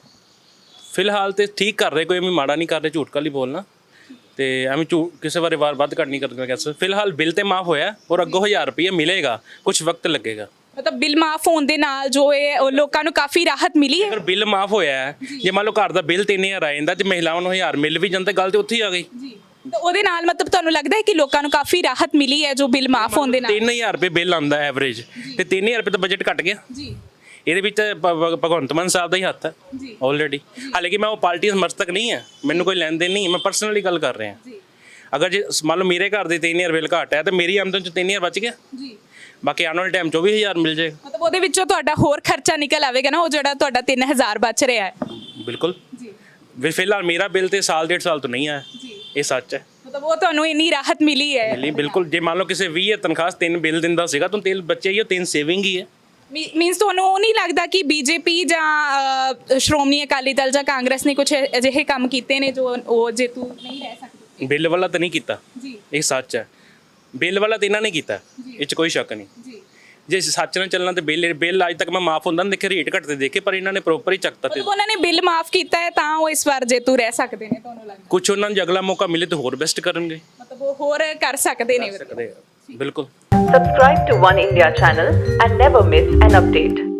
ਫਿਲਹਾਲ ਤੇ ਠੀਕ ਕਰ ਰਹੇ, ਕੋਈ ਐਵੇਂ ਮਾੜਾ ਨਹੀਂ ਕਰ ਰਹੇ, ਝੂਠ ਕਾਲੀ ਬੋਲਣਾ ਤੇ ਐਵੇਂ ਝੂਠ ਕਿਸੇ ਬਾਰੇ ਵਾਰ ਵੱਧ ਘੱਟ ਨਹੀਂ ਕਰਨਾ ਕਹਿ ਸਕਦੇ। ਫਿਲਹਾਲ ਬਿੱਲ ਤੇ ਮਾਫ ਹੋਇਆ ਔਰ ਅੱਗੋਂ ਹਜ਼ਾਰ ਰੁਪਈਆ ਮਿਲੇਗਾ, ਕੁਝ ਵਕਤ ਲੱਗੇਗਾ।
ਮਤਲਬ ਬਿੱਲ ਮਾਫ ਹੋਣ ਦੇ ਨਾਲ ਜੋ ਇਹ ਉਹ ਲੋਕਾਂ ਨੂੰ ਕਾਫੀ ਰਾਹਤ ਮਿਲੀ ਹੈ?
ਅਗਰ ਬਿੱਲ ਮਾਫ ਹੋਇਆ ਹੈ, ਜੇ ਮੰਨ ਲਓ ਘਰ ਦਾ ਬਿੱਲ ਤਿੰਨ ਹਜ਼ਾਰ ਆ ਜਾਂਦਾ ਤੇ ਮਹਿਲਾਵਾਂ ਨੂੰ ਹਜ਼ਾਰ ਮਿਲ ਵੀ ਜਾਂਦਾ, ਗੱਲ ਤੇ ਉੱਥੇ ਹੀ ਆ ਗਈ।
ਜੀ ਤਾਂ ਉਹਦੇ ਨਾਲ ਮਤਲਬ ਤੁਹਾਨੂੰ ਲੱਗਦਾ ਹੈ ਕਿ ਲੋਕਾਂ ਨੂੰ ਕਾਫੀ ਰਾਹਤ ਮਿਲੀ ਹੈ ਜੋ ਬਿੱਲ ਮਾਫ ਹੋਣ ਦੇ ਨਾਲ?
ਤਿੰਨ ਹਜ਼ਾਰ ਰੁਪਏ ਬਿੱਲ ਆਉਂਦਾ ਐਵਰੇਜ, ਤੇ ਤਿੰਨ ਹਜ਼ਾਰ ਰੁਪਏ ਤਾਂ ਬਜਟ ਘਟ ਗਿਆ।
ਜੀ
ਇਹਦੇ ਵਿੱਚ ਭ- ਭ- ਭਗਵੰਤ ਮਾਨ ਸਾਹਿਬ ਦਾ ਹੀ ਹੱਥ ਹੈ
ਜੀ
ਆਲਰੇਡੀ। ਹਾਲਾਂਕਿ ਮੈਂ ਉਹ ਪਾਰਟੀ ਸਮਰਥਕ ਨਹੀਂ ਹੈ, ਮੈਨੂੰ ਕੋਈ ਲੈਣ ਦੇਣ ਨਹੀਂ, ਮੈਂ ਪਰਸਨਲੀ ਗੱਲ ਕਰ ਰਿਹਾ।
ਜੀ
ਅਗਰ ਜੇ ਮੰਨ ਲਓ ਮੇਰੇ ਘਰ ਦੇ ਤਿੰਨ ਹਜ਼ਾਰ ਬਿੱਲ ਘੱਟ ਹੈ ਤੇ ਮੇਰੀ ਆਮਦਨ ਚ ਤਿੰਨ ਹਜ਼ਾਰ ਬਚ ਗਿਆ,
ਜੀ
ਬਾਕੀ ਆਉਣ ਵਾਲੇ ਟਾਈਮ ਚੌਵੀ ਹਜ਼ਾਰ ਮਿਲ ਜਾਏਗਾ।
ਮਤਲਬ ਉਹਦੇ ਵਿੱਚੋਂ ਤੁਹਾਡਾ ਹੋਰ ਖਰਚਾ ਨਿਕਲ ਆਵੇਗਾ ਨਾ, ਉਹ ਜਿਹੜਾ ਤੁਹਾਡਾ ਤਿੰਨ ਹਜ਼ਾਰ ਬਚ ਰਿਹਾ ਹੈ।
ਬਿਲਕੁਲ।
ਜੀ
ਵੀ ਫਿਲਹਾਲ ਮੇਰਾ ਬਿੱਲ ਤੇ ਸਾਲ ਡੇਢ ਸਾਲ ਤੋਂ ਨਹੀਂ ਆਇਆ,
ਜੀ
ਇਹ ਸੱਚ ਹੈ।
ਮਤਲਬ ਉਹ ਤੁਹਾਨੂੰ ਇੰਨੀ ਰਾਹਤ ਮਿਲੀ ਹੈ?
ਮਿਲੀ ਬਿਲਕੁਲ। ਜੇ ਮੰਨ ਲਓ ਕਿਸੇ ਵੀਹ ਹਜ਼ਾਰ ਤਨਖਾਹ ਤਿੰਨ ਬਿੱਲ ਦਿੰਦਾ ਸੀਗਾ ਤਾਂ ਤਿੰਨ ਬੱਚੇ ਹੀ ਉਹ ਤਿੰਨ ਸੇਵਿੰਗ ਹੀ ਹੈ।
ਮੀਨਸ ਤੁਹਾਨੂੰ ਉਹ ਨਹੀਂ ਲੱਗਦਾ ਕਿ ਬੀਜੇਪੀ ਜਾਂ ਅਹ, ਸ਼੍ਰੋਮਣੀ ਅਕਾਲੀ ਦਲ ਜਾਂ ਕਾਂਗਰਸ ਨੇ ਕੁਝ ਅਜਿਹੇ ਕੰਮ ਕੀਤੇ ਨੇ ਜੋ ਉਹ ਜੇਤੂ ਨਹੀਂ ਰਹਿ ਸਕਦੇ?
ਬਿੱਲ ਵਾਲਾ ਤਾਂ ਨਹੀਂ ਕੀਤਾ,
ਜੀ
ਇਹ ਸੱਚ ਹੈ। ਬਿੱਲ ਵਾਲਾ ਤਾਂ ਇਹਨਾਂ ਨੇ ਕੀਤਾ, ਇਹ 'ਚ ਕੋਈ ਸ਼ੱਕ ਨਹੀਂ।
ਜੀ
ਜੇ ਸੱਚ ਨਾਲ ਚੱਲਣਾ ਤੇ ਬਿੱਲ ਬਿੱਲ ਅੱਜ ਤੱਕ ਮੈਂ ਮਾਫ ਹੁੰਦਾ ਨਾ ਦੇਖੇ, ਰੇਟ ਘਟਦੇ ਦੇਖੇ, ਪਰ ਇਹਨਾਂ ਨੇ ਪ੍ਰੋਪਰ ਹੀ ਚੱਕਤਾ। ਤੇ
ਮਤਲਬ ਉਹਨਾਂ ਨੇ ਬਿੱਲ ਮਾਫ ਕੀਤਾ ਹੈ ਤਾਂ ਉਹ ਇਸ ਵਾਰ ਜੇਤੂ ਰਹਿ ਸਕਦੇ ਨੇ ਤੁਹਾਨੂੰ ਲੱਗਦਾ?
ਕੁਝ ਉਹਨਾਂ ਨੂੰ ਜੇ ਅਗਲਾ ਮੌਕਾ ਮਿਲੇ ਤਾਂ ਹੋਰ ਬੈਸਟ ਕਰਨਗੇ।
ਮਤਲਬ ਉਹ ਹੋਰ ਕਰ ਸਕਦੇ ਨੇ?
ਸਕਦੇ ਆ, ਬਿਲਕੁਲ।
Subscribe to One India channel and never miss an update.